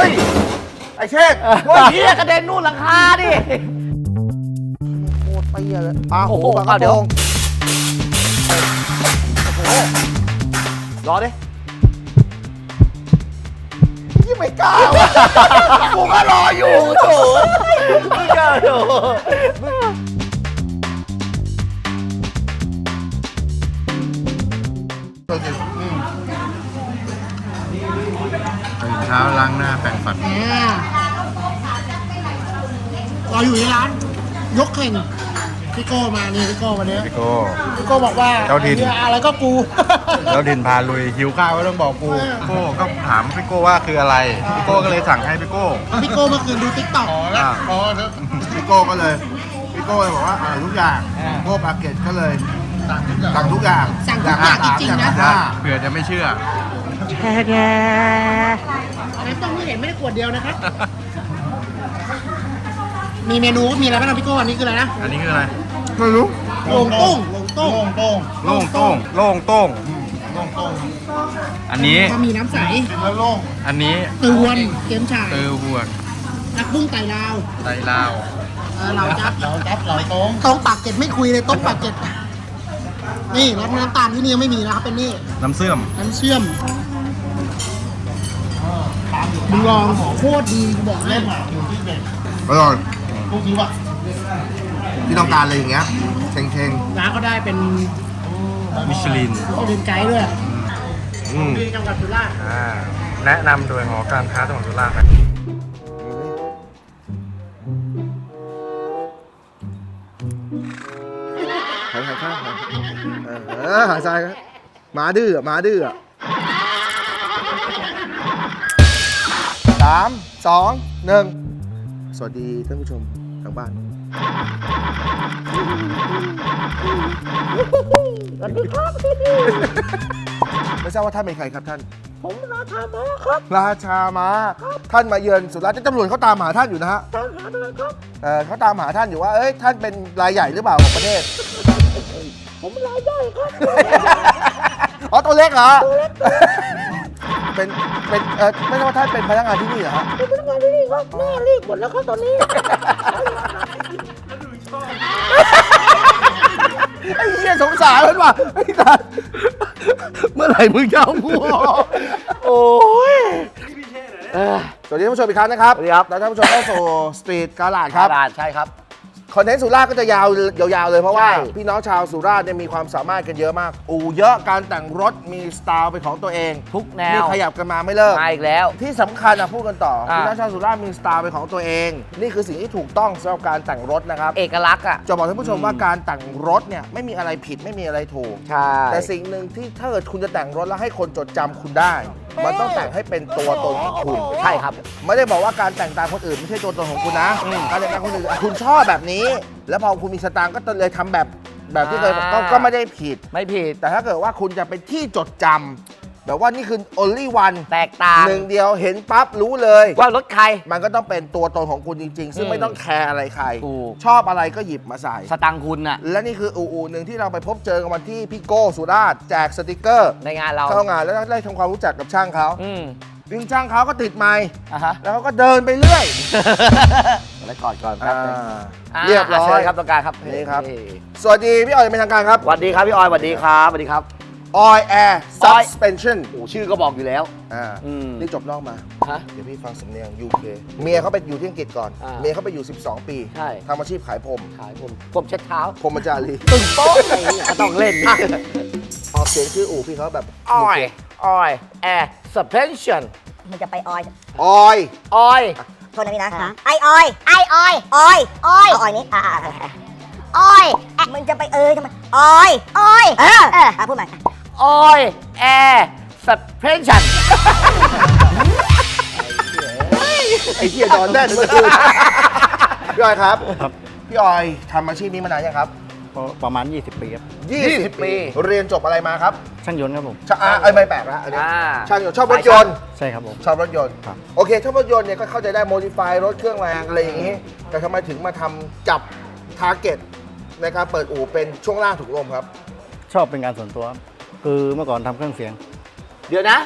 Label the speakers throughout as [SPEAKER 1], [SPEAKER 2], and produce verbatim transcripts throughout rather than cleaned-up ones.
[SPEAKER 1] ฮ้ยไอ้เชษโอ้ยเฮียกระเด็นนู่นหลังคาดิโคตรเตี้ยเลยปลาหูปลากระพงโอ้โหรอดิยังไม่กล้าวะกูก็รออยู่โถไม่กล้าโถ
[SPEAKER 2] ตื่นเช้าล้างหน้าแปรงฟัน
[SPEAKER 3] เราอยู่ในร้านยกเข่งพี่โก้มานี่พี่โก้วันนี้
[SPEAKER 2] พี่โก้
[SPEAKER 3] พี่โก้บอกว่า
[SPEAKER 2] เจ้าถิ่น
[SPEAKER 3] เนี่ยอะไรก็กู
[SPEAKER 2] แล้วดินพาลุยหิวข้าวก็ต้องบอกกูพี่โก้ก็ถามพี่โก้ว่าคืออะไรพี่โก้ก็เลยสั่งให้พี่โก้
[SPEAKER 3] พี่โก้เมื่อคืนดูติ๊กต็อก
[SPEAKER 2] อ่าพี่โก้ก็เลยพี่โก้เลยบอกว่าอ่าทุกอย่างโก้ปาเกตก็เลยสั่งทุกอย่าง
[SPEAKER 3] สั่งทุกอย่างจริงๆนะ
[SPEAKER 2] เผื่อจะไม่เชื่อ
[SPEAKER 3] น้ำต้มที่เห็นไม่ได้ขวดเดียวนะครับ มีเมนูมีอะไรบ้างนะพี่โก้อันนี้คืออะไรนะ
[SPEAKER 2] อันนี้คืออะไรไม่รู้
[SPEAKER 3] โล่งต้งโล่งต้ง
[SPEAKER 2] โล่งโต้งโล่งโต้งอันนี้
[SPEAKER 3] ก็มีน้ำใส
[SPEAKER 2] อันนี้
[SPEAKER 3] ตือวนเกมฉ่าย
[SPEAKER 2] ตือหวก
[SPEAKER 3] นักบุ้งไต่ลาว
[SPEAKER 2] ไตลาว
[SPEAKER 3] เออเราจับเราจับเราต้งต้งปากเก็ดไม่คุยเลยต้งปากเก็ดนี่รสน้ำตาลที่นี่ยังไม่มีนะครับเป็นนี่
[SPEAKER 2] น้ำเสื่อม
[SPEAKER 3] น้ำเชื่อมมึงลองโคตรดีกูบอกให้
[SPEAKER 2] อร่อยที่ต้องการอะไรอย่างเงี้ยเชง
[SPEAKER 3] ร้านก็ได้เป็น
[SPEAKER 2] ๆมิชลิน
[SPEAKER 3] เขาเดินไกด์ด้วย
[SPEAKER 2] อืม
[SPEAKER 3] ที่จังหวัดสุราษฎร์
[SPEAKER 2] อ่าแนะนำโดยหอการค้าจังหวัดสุราษฎร์ครับ
[SPEAKER 1] หายหายข้างหายเออหายใจครับหมาดื้อหมาดื้อสามสองหนึ่งสวัสดีท่านผู้ชมทางบ้านสวัสดีครับไม่ทราบว่าท่านเป็นใครครับท่านผมราชาม้าครับราชาม้าท่านมาเยือนสุราษฎร์ตำรวจเขาตามหาท่านอยู่นะฮะตามหาอะไรครับเออเขาตามหาท่านอยู่ว่าเอ้ยท่านเป็นรายใหญ่หรือเปล่าของประเทศผมรายใหญ่ครับอ๋อตัวเล็กเหรอเป็นเป็นเออไม่ใช่ว่าท่านเป็นพนักงานที่นี่เหรอฮะเป็นพนักงานที่นี่ครับแม่เรียกหมดแล้วครับตอนนี้ไอ้เหี้ยสงสารมันว่ะไอ้สัสเมื่อไหร่มึงจะเอากูออกโอ้ยสวัสดีท่านผู้ชมอีกครั้งนะครับสวัสดีครับแล้วท่านผู้ชมเข้าสู่สตรีทการ์ดครับ
[SPEAKER 4] ตลาดใช่ครับ
[SPEAKER 1] คอนเทนต์สุราษฎร์ก็จะยาวยาวๆเลยเพราะว่าพี่น้องชาวสุราษฎร์เนี่ยมีความสามารถกันเยอะมากอู่เยอะการแต่งรถมีสไตล์เป็นของตัวเอง
[SPEAKER 4] ทุกแน
[SPEAKER 1] นี่
[SPEAKER 4] ว
[SPEAKER 1] ขยับกันมาไม่เลิก
[SPEAKER 4] มาอีกแล้ว
[SPEAKER 1] ที่สำคัญนะพูดกันต่อ
[SPEAKER 4] อ่า
[SPEAKER 1] พี่น้องชาวสุราษฎร์มีสไตล์เป็นของตัวเอง นี่คือสิ่งที่ถูกต้องสำหรับการแต่งรถนะครับ
[SPEAKER 4] เอกลักษณ์อ่ะ
[SPEAKER 1] จะบอกท่านผู้ชมว่าการแต่งรถเนี่ยไม่มีอะไรผิดไม่มีอะไรถูก
[SPEAKER 4] ใช่
[SPEAKER 1] แต่สิ่งหนึ่งที่ถ้าเกิดคุณจะแต่งรถแล้วให้คนจดจำคุณได้ มันต้องแต่งให้เป็นตัวตนของคุณ
[SPEAKER 4] ใช่ครับ
[SPEAKER 1] ไม่ได้บอกว่าการแต่งตามคนอื่นไม่ใช่ตัวตนของคุณนะ การแต่งตามคนอื่นคุณชอบแบบนี้ แล้วพอคุณมีสตางค์ก็เลยทำแบบแบบที่เคย
[SPEAKER 4] อ่า
[SPEAKER 1] ก็ก็ไม่ได้ผิด
[SPEAKER 4] ไม่ผิด
[SPEAKER 1] แต่ถ้าเกิดว่าคุณจะเป็นที่จดจำแบบว่านี่คือ only one
[SPEAKER 4] แตกต่าง
[SPEAKER 1] หนึ่งเดียวเห็นปั๊บรู้เลย
[SPEAKER 4] ว่ารถใคร
[SPEAKER 1] มันก็ต้องเป็นตัวตนของคุณจริง ๆ ซึ่ง
[SPEAKER 4] อืม
[SPEAKER 1] ไม่ต้องแคร์อะไรใคร
[SPEAKER 4] ถูก
[SPEAKER 1] ชอบอะไรก็หยิบมาใส่
[SPEAKER 4] สตังค์คุณน่ะ
[SPEAKER 1] และนี่คืออู่อู่หนึ่งที่เราไปพบเจอกันวันที่พี่โก้สุราษฎร์แจกสติกเกอร์
[SPEAKER 4] ในงานเรา
[SPEAKER 1] เข้างานแล้วได้ทำความรู้จักกับช่างเขา
[SPEAKER 4] อืม
[SPEAKER 1] วิ่งช่างเขาก็ติดไมค์
[SPEAKER 4] อ่ะฮะ
[SPEAKER 1] แล้วเขาก็เดินไปเรื่อย
[SPEAKER 4] แล้วก่อนก่อนค
[SPEAKER 1] อ่า
[SPEAKER 4] รับ
[SPEAKER 1] เรียบร้อ
[SPEAKER 4] เชิ
[SPEAKER 1] ย
[SPEAKER 4] ญครับตรงกลางครับ
[SPEAKER 1] นี่ครับ
[SPEAKER 4] เฮ้ย
[SPEAKER 1] สวัสดีพี่ออยเป็นทางการครับ
[SPEAKER 4] สวัสดีครับพี่ออยสวัสดีครับสวัสดีครับ
[SPEAKER 1] Oil Air
[SPEAKER 4] ออย
[SPEAKER 1] Suspension
[SPEAKER 4] โอ้ชื่อก็บอกอยู่แล้ว
[SPEAKER 1] อ่า
[SPEAKER 4] อืม
[SPEAKER 1] นี่จบนอกมา
[SPEAKER 4] ฮะ
[SPEAKER 1] เดี๋ยวพี่ฟังสำเนียง ยู เค เมียเขาไปอยู่ที่อังกฤษก่อน
[SPEAKER 4] อ่า
[SPEAKER 1] เมียเขาไปอยู่ สิบสอง ปี
[SPEAKER 4] ใช่
[SPEAKER 1] ทำอาชีพขายผม
[SPEAKER 4] ขายผมผมเช็ดเท้า
[SPEAKER 1] พรหมจารี
[SPEAKER 4] ตึงโป๊ะอะไรอย่างเงี้ยก็ต้องเล่น
[SPEAKER 1] อ่ะออกเสียงชื่ออู่พี่เขาแบบ
[SPEAKER 4] ออยออยแอร์สเปนชั่น
[SPEAKER 5] มันจะไปออย
[SPEAKER 1] ออย
[SPEAKER 4] ออย
[SPEAKER 5] โทษนะพี่นะไอออยไอออยออยออยออยนี้อ่าออยมันจะไปเอยทำไมออยออยเออเออพูดใหม่
[SPEAKER 4] ออยแอร์สเปนชั่น
[SPEAKER 1] ไอ้เหี้ยนอนแน่นเลยพี่ออยครับ พี่ออยทำอาชีพนี้มานานยังครับ
[SPEAKER 6] ประมาณ ยี่สิบ ปีครับ
[SPEAKER 1] ยี่สิบ ปี เรียนจบอะไรมาครับ
[SPEAKER 6] ช่างยนต์ครับผม
[SPEAKER 1] ชาอ่าเอ้ยไม่แปลกละอันนี้
[SPEAKER 4] อ่า
[SPEAKER 1] ช่างยนต์ชอบรถยนต์
[SPEAKER 6] ใช่ครับผม
[SPEAKER 1] ชอบรถยนต์
[SPEAKER 6] ครับ
[SPEAKER 1] โอเคชอบรถยนต์เนี่ยก็เข้าใจได้โมดิฟายรถเครื่องแรงอะไรอย่างนี้ แต่ทำไมถึงมาทำจับทาร์เก็ตในการเปิดอู่เป็นช่วงล่างถุงลมครับ
[SPEAKER 6] ชอบเป็นการส่วนตัวครับคือเมื่อก่อนทำเครื่องเสียง
[SPEAKER 4] เดี๋ยวนะ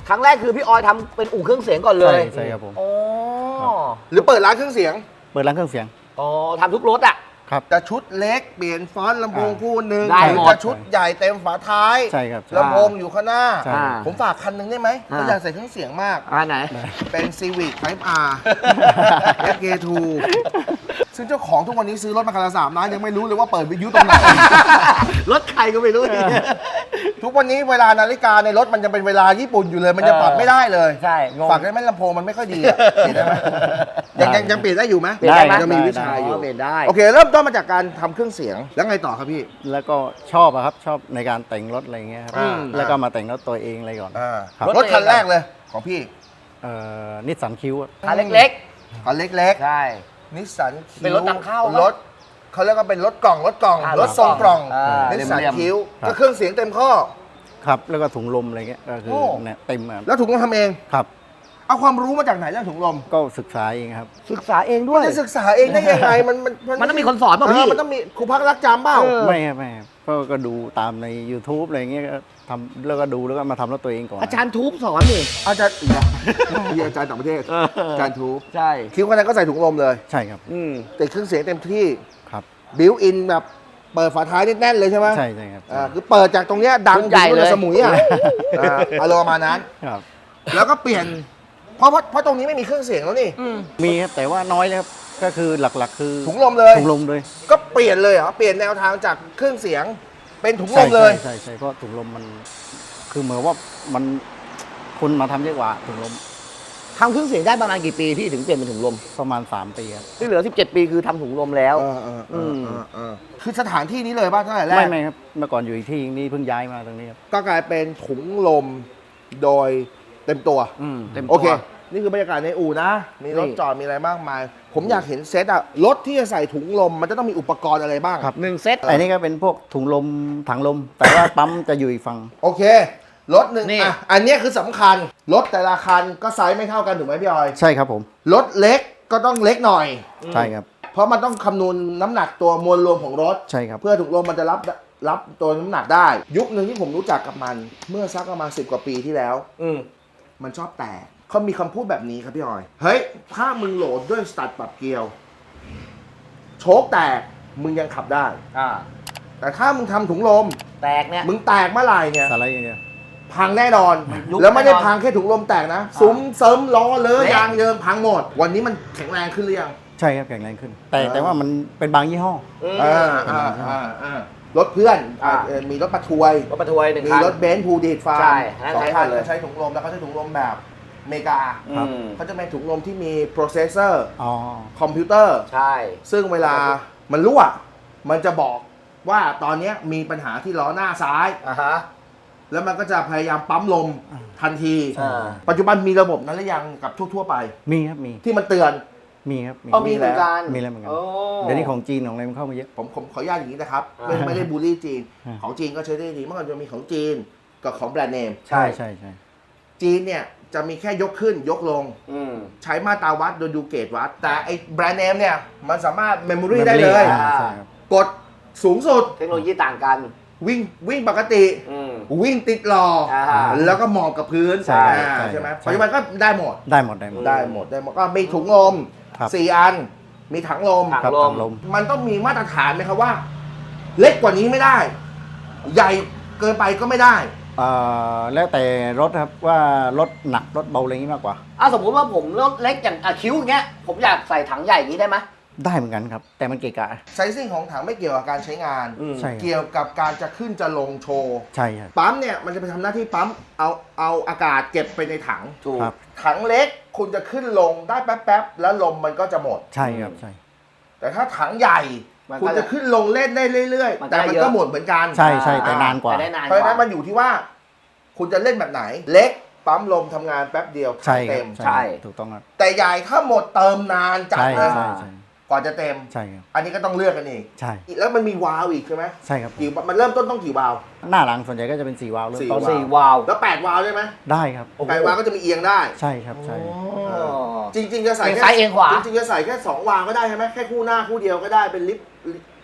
[SPEAKER 4] ครั้งแรกคือพี่ออยทำเป็นอู่เครื่องเสียงก่อนเล
[SPEAKER 6] ใช่
[SPEAKER 4] ย
[SPEAKER 6] ใช่ครับผม
[SPEAKER 4] อ๋อ
[SPEAKER 1] หรือเปิดร้านเครื่องเสียง
[SPEAKER 6] เปิดร้านเครื่องเสียง
[SPEAKER 4] อ๋อทำทุกรถอ่ะ
[SPEAKER 6] ครับ
[SPEAKER 1] จะชุดเล็กเปลี่ยนฟอนต์ลำโพง
[SPEAKER 6] อ่า
[SPEAKER 1] คู่หนึ่ง
[SPEAKER 4] ได้
[SPEAKER 1] หรือ
[SPEAKER 4] หมด
[SPEAKER 1] จะชุดใหญ่เต็มฝาท้าย
[SPEAKER 6] ใช่ครับใช่
[SPEAKER 1] ลำโพงอยู่ข้างหน้า
[SPEAKER 6] ใช่
[SPEAKER 4] อ่า
[SPEAKER 1] ผมฝากคันหนึ่งได้ไหม
[SPEAKER 4] อ่า
[SPEAKER 1] ผมอยากใส่เครื่องเสียงมาก
[SPEAKER 4] อ่าไหน
[SPEAKER 1] เป็น Civic Type R เอฟ เค ทู ซึ่งเจ้าของทุกวันนี้ซื้อรถมาคันละสามล้านยังไม่รู้เลยว่าเปิดวิทยุตรงไหน
[SPEAKER 4] รถใครก็ไม่รู้
[SPEAKER 1] ทุกวันนี้เวลานาฬิกาในรถมันยังเป็นเวลาญี่ปุ่นอยู่เลย มันจะปรับไม่ได้เลย
[SPEAKER 4] ใช่งง
[SPEAKER 1] ฝากได้ไหมลำโพงมันไม่ค่อยดีอะเปลี่ยนได้ไหมยังยังยังเปลี่ยนได้อยู่ไหม
[SPEAKER 4] เปลี่ยนได้ไหม
[SPEAKER 1] ยังมีวิชาอยู่
[SPEAKER 4] เปลี่ยนได้
[SPEAKER 1] โอเค เริ่มต้นมาจากการทำเครื่องเสียงแล้วไงต่อครับพี่
[SPEAKER 6] แล้วก็ชอบอะครับชอบในการแต่งรถอะไรเงี้ยครับ
[SPEAKER 1] อืม
[SPEAKER 6] แล้วก็มาแต่งรถตัวเองอะไรก่อน
[SPEAKER 1] อ่า
[SPEAKER 6] ครับ
[SPEAKER 1] รถคันแรกเลยของพี่
[SPEAKER 6] เอ่อนิสสันคิว
[SPEAKER 4] คันเล็ก
[SPEAKER 1] คันเล็ก
[SPEAKER 4] ๆ ใช่
[SPEAKER 1] ๆนิสสัน
[SPEAKER 4] เป็นรถนำเข้าปะ
[SPEAKER 1] รถเขาเรียกว่าเป็นรถกล่องรถกล่อง
[SPEAKER 4] อ่าร
[SPEAKER 1] ถทรงกล่อง
[SPEAKER 4] อ่า
[SPEAKER 1] นิสสัน
[SPEAKER 4] เรียมๆ
[SPEAKER 1] คิ้ว
[SPEAKER 6] ครับ
[SPEAKER 1] ก็เครื่องเสียงเต็มข้อ
[SPEAKER 6] ครับแล้วก็ถุงลมอะไรเงี้ยก็คือ
[SPEAKER 1] โอ้
[SPEAKER 6] เนี่ยเต็มครับ
[SPEAKER 1] แล้วถุงลมทำเอง
[SPEAKER 6] ครับ
[SPEAKER 1] เอาความรู้มาจากไหนเรื่องถุงลม
[SPEAKER 6] ก็ศึกษาเองครับ
[SPEAKER 4] ศึกษาเองด้วย
[SPEAKER 1] จะศึกษาเองได้ยังไงมันมัน
[SPEAKER 4] มันต้องมีคนสอนเปล่าพี่
[SPEAKER 1] มันต้องมีครูพักรักจำเปล่า
[SPEAKER 4] เออ
[SPEAKER 6] ไม่ครับไม่ครับก็ก็ดูตามใน YouTube อะไรเงี้ยก็ทำแล้วก็ดูแล้วก็มาทำรถตัวเองก่อน
[SPEAKER 4] อาจารย์ทูบสอนนี่
[SPEAKER 1] อาจารย์อีกแล้วมีอาจารย์ต่างประเทศอาจารย์ทู
[SPEAKER 4] ใช่
[SPEAKER 1] คิ้วคนนั้นก็ใส่ถุงลมเลย
[SPEAKER 6] ใช่ครับ
[SPEAKER 4] อืม
[SPEAKER 1] ติดเครื่องเสียงเต็มที่
[SPEAKER 6] ครับ
[SPEAKER 1] บิวอินแบบเปิดฝาท้ายนี่แน่นเลยใช่ไหม
[SPEAKER 6] ใช่ใช่ครับ
[SPEAKER 1] อ่าคือเปิดจากตรงเนี้ยดัง
[SPEAKER 4] ชุดใหญ่เลย
[SPEAKER 1] ถึงสมุยอ่ะอ่าอารมณ์ประมาณนั้น
[SPEAKER 6] ครับ
[SPEAKER 1] แล้วก็เปลี่ยน เพราะเพราะเพราะตรงนี้ไม่มีเครื่องเสียงแล้วนี่
[SPEAKER 6] มีครับแต่ว่าน้อยเลยครับก็คือหลักๆ คือ
[SPEAKER 1] ถุงลมเลย
[SPEAKER 6] ถุงลมเลย
[SPEAKER 1] ก็เปลี่ยนเลยเหรอเปลี่ยนแนวทางจากเครื่องเสียง เป็นถุงล
[SPEAKER 6] ใช่
[SPEAKER 1] มเลย
[SPEAKER 6] ใช่ใช่ใช่เพราะถุงลมมันคือเหมือนว่ามันคนมาทำเยอะกว่าถุงลม
[SPEAKER 4] ทำเครื่องเสียงได้ประมาณกี่ปีพี่ถึงเปลี่ยนเป็นถุงลม
[SPEAKER 6] ประมาณสามปีครับ
[SPEAKER 4] ที่เหลือสิบเจ็ดปีคือทำถุงลมแล้ว
[SPEAKER 1] เออเออเออเออเออคือสถานที่นี้เลยป่ะตั้งแต่แร
[SPEAKER 6] ไม่
[SPEAKER 1] ก
[SPEAKER 6] ไม่ครับเมื่อก่อนอยู่อีกที่นี่เพิ่งย้ายมาตรงนี้ครับ
[SPEAKER 1] ก็กลายเป็นถุงลมโดยเต็มตัว
[SPEAKER 4] อืมเต็มตัว
[SPEAKER 1] โอเค นี่คือบรรยากาศในอู่นะ มีรถ
[SPEAKER 4] นี่
[SPEAKER 1] จอดมีอะไรมากมาย ผมอยากเห็นเซตอะรถที่จะใส่ถุงลมมันจะต้องมีอุปกรณ์อะไรบ้าง
[SPEAKER 6] ครับ
[SPEAKER 4] หนึ่งเซต
[SPEAKER 6] อันนี้ก็เป็นพวกถุงลมถังลม แต่ว่าปั๊มจะอยู่อีกฝั่ง
[SPEAKER 1] โอเค รถหนึ่ง
[SPEAKER 4] นี่
[SPEAKER 1] อ่ะอันเนี้ยคือสำคัญ รถแต่ละคันก็ไซส์ไม่เท่ากันถูกไหมพี่ออย
[SPEAKER 6] ใช่ครับผม
[SPEAKER 1] รถเล็กก็ต้องเล็กหน่อย
[SPEAKER 6] ใช่ครับ
[SPEAKER 1] เพราะมันต้องคำนวณน้ำหนักตัวมวลรวมของรถ
[SPEAKER 6] ใช่ครับ
[SPEAKER 1] เพื่อถุงลมมันจะรับรับตัวน้ำหนักได้ ยุคหนึ่งที่ผมรู้จักกับมัน เมื่อสักประมาณสิบกว่าปีที่แล้ว
[SPEAKER 4] อืม
[SPEAKER 1] มันชอบแตกเขามีคำพูดแบบนี้ครับพี่ออย เฮ้ย ถ้ามึงโหลดด้วยสตัดปรับเกลียว โชคแตก มึงยังขับได้
[SPEAKER 4] อ่า
[SPEAKER 1] แต่ถ้ามึงทำถุงลม
[SPEAKER 4] แตกเนี่ย
[SPEAKER 1] มึงแตกเมื่อไหร่เนี่ย
[SPEAKER 6] สไลด์อย่างเดียว
[SPEAKER 1] พังแน่นอน
[SPEAKER 4] ยุบ
[SPEAKER 1] แล้วไม่ได้
[SPEAKER 4] แน่นอน
[SPEAKER 1] พังแค่ถุงลมแตกนะ ซุ้มเสริมล้อเลอะ
[SPEAKER 4] เละ
[SPEAKER 1] ยางเยิมพังหมด วันนี้มันแข็งแรงขึ้นหรือยัง
[SPEAKER 6] ใช่ครับแข็งแรงขึ้น แต่
[SPEAKER 1] อ่า
[SPEAKER 6] แต่ว่ามันเป็นบางยี่ห้อ
[SPEAKER 4] อืม
[SPEAKER 1] อ่าอ่าอ่าอ่ารถเพื่อนอ่า
[SPEAKER 4] อ่า
[SPEAKER 1] เอ่อมีรถปะทวย
[SPEAKER 4] รถบรรทุกหนึ่ง
[SPEAKER 1] มี
[SPEAKER 4] คัน
[SPEAKER 1] รถเบนซ์พูดีดฟาร์ม
[SPEAKER 4] ใช่อันนั้น
[SPEAKER 1] สอง
[SPEAKER 4] ใช้
[SPEAKER 1] คัน
[SPEAKER 4] หมดเลย
[SPEAKER 1] จะใช้ถุงลมแล้วเขาใช้ถุงลมแบบอเมริกา
[SPEAKER 4] อืม
[SPEAKER 1] เขาจะเป็นถุงลมที่มีโปรเซสเซอร์
[SPEAKER 6] อ๋อ
[SPEAKER 1] คอมพิวเตอร์
[SPEAKER 4] ใช่
[SPEAKER 1] ซึ่งเวลามันรั่ว มันจะบอกว่าตอนเนี้ยมีปัญหาที่ล้อหน้าซ้าย
[SPEAKER 4] อ่าฮะ
[SPEAKER 1] แล้วมันก็จะพยายามปั๊มลมทันที
[SPEAKER 4] อ่า
[SPEAKER 1] ปัจจุบันมีระบบนั้นหรือยังกับทั่ว ๆ ไป
[SPEAKER 6] มีครับมี
[SPEAKER 1] ที่มันเตือน
[SPEAKER 6] มีครับมี
[SPEAKER 4] เออมีเหมือนกัน
[SPEAKER 6] มีแล้วเหมือนกัน
[SPEAKER 4] โอ้
[SPEAKER 6] เดี๋ยวนี้ของจีนของอะไรมันเข้ามาเยอะ
[SPEAKER 1] ผมผมขออนุญาตอย่างนี้นะครับ
[SPEAKER 4] อ่า
[SPEAKER 1] ไม่ไม่ได้บูลลี่จีน
[SPEAKER 6] อ่า
[SPEAKER 1] ของจีนก็ใช้ได้ดีเมื่อก่อนจะมีของจีนกับของแบรนด์เนม
[SPEAKER 4] ใช่
[SPEAKER 6] ใช่ใช่
[SPEAKER 1] จีนเนี่ยจะมีแค่ยกขึ้นยกลง
[SPEAKER 4] อืม
[SPEAKER 1] ใช้มาตราวัดโดยดูเกจวัด แต่ไอ้แบรนด์เนมเนี่ย มันสามารถเมมโมรีได้เลย
[SPEAKER 6] อ่าใช่ครับ
[SPEAKER 1] กดสูงสุด
[SPEAKER 4] เทคโนโลยีต่างกัน
[SPEAKER 1] วิ่งวิ่งปกติ
[SPEAKER 4] อืม
[SPEAKER 1] วิ่งติดล้ออา แล้วก็มองกับพื้น
[SPEAKER 6] ใช่
[SPEAKER 1] อ่า
[SPEAKER 6] ใช่
[SPEAKER 1] ใช่ไหม
[SPEAKER 6] ใช่
[SPEAKER 1] ปัจจุบันก็ได้หมด
[SPEAKER 6] ได้หมดได้หมด
[SPEAKER 1] ได้หมดได้หมดก็มีถุงลม
[SPEAKER 6] ครับ
[SPEAKER 1] สี่อัน มีถังลม
[SPEAKER 4] ถัง
[SPEAKER 6] ครับ
[SPEAKER 4] ลม
[SPEAKER 6] ถังลม
[SPEAKER 1] มันต้องมีมาตรฐานไหมครับว่า เล็กกว่านี้ไม่ได้ ใหญ่เกินไปก็ไม่ได้
[SPEAKER 6] เอ่อแล้วแต่รถครับว่ารถหนักรถเบาอะไรอย่างนี้มากกว่า
[SPEAKER 4] อ่ะสมมุติว่าผมรถเล็กอย่างอ่ะคิ้วอย่างเงี้ย ผมอยากใส่ถังใหญ่อย่างนี้ได้ไหม
[SPEAKER 6] ได้เหมือนกันครับ แต่มันเกะกะ
[SPEAKER 1] ไซซิ่งของถังไม่เกี่ยวกับการใช้งาน
[SPEAKER 4] อืม
[SPEAKER 6] ใช่ครับ
[SPEAKER 1] เกี่ยวกับการจะขึ้นจะลงโชว์
[SPEAKER 6] ใช่ครับ
[SPEAKER 1] ปั๊มเนี่ยมันจะไปทำหน้าที่ปั๊มเอาเอาอากาศเก็บไปในถัง
[SPEAKER 4] ถูก
[SPEAKER 6] ครับ
[SPEAKER 1] ถังเล็กคุณจะขึ้นลงได้แป๊บๆแล้วลมมันก็จะหมด
[SPEAKER 6] ใช่ครับใช่
[SPEAKER 1] แต่ถ้าถังใหญ่
[SPEAKER 4] มันก็
[SPEAKER 1] คุณจะขึ้นลงเล่นได้เรื่อย
[SPEAKER 4] มัน
[SPEAKER 1] ๆ
[SPEAKER 4] ก็
[SPEAKER 1] แต่มัน
[SPEAKER 4] เยอะ
[SPEAKER 1] ก็หมดเหมือนกัน
[SPEAKER 6] ใช่ใช่แต่นานกว่า
[SPEAKER 4] แต่ได้นาน
[SPEAKER 1] เพราะฉะนั้นมันอยู่ที่ว่า คุณจะเล่นแบบไหน เล็กปั๊มลมทำงานแป๊บเดียว
[SPEAKER 6] ใช่ครั
[SPEAKER 1] เต็
[SPEAKER 6] บ
[SPEAKER 1] ม
[SPEAKER 4] ใช่
[SPEAKER 6] ถูกต้องครับ
[SPEAKER 1] แต่ใหญ่ถ้าหมดเติมนานจัด
[SPEAKER 6] ใช่
[SPEAKER 1] เลย
[SPEAKER 6] ใช่ใช่
[SPEAKER 1] ก่อนจะเต็ม
[SPEAKER 6] ใช่ครับ
[SPEAKER 1] อันนี้ก็ต้องเลือกกันอีก
[SPEAKER 6] ใช่
[SPEAKER 1] แล้วมันมีวาล์วอีกใช่ไหม
[SPEAKER 6] ใช่ครับ
[SPEAKER 1] กี่มันเริ่มต้นต้องกี่วาล์ว
[SPEAKER 6] หน้าหลังส่วนใหญ่ก็จะเป็นสี่วาล์วเริ่ม
[SPEAKER 1] สี่
[SPEAKER 6] ต้น
[SPEAKER 1] วาล์
[SPEAKER 4] สี่วาล์ว
[SPEAKER 1] แล้วแปดวาล์วได้ไหม
[SPEAKER 6] ได้ครับ
[SPEAKER 1] แปดวาล์วก็จะมีเอียงได้
[SPEAKER 6] ใช่ครับใช่
[SPEAKER 4] อ๋อ
[SPEAKER 1] จริงๆจะใส่
[SPEAKER 4] เอียง
[SPEAKER 1] แค่
[SPEAKER 4] ซ้ายเอียงขวา
[SPEAKER 1] จริงๆจะใส่แค่สองวาล์วก็ได้ใช่ไหมแค่คู่หน้าคู่เดียวก็ได้เป็นลิฟต์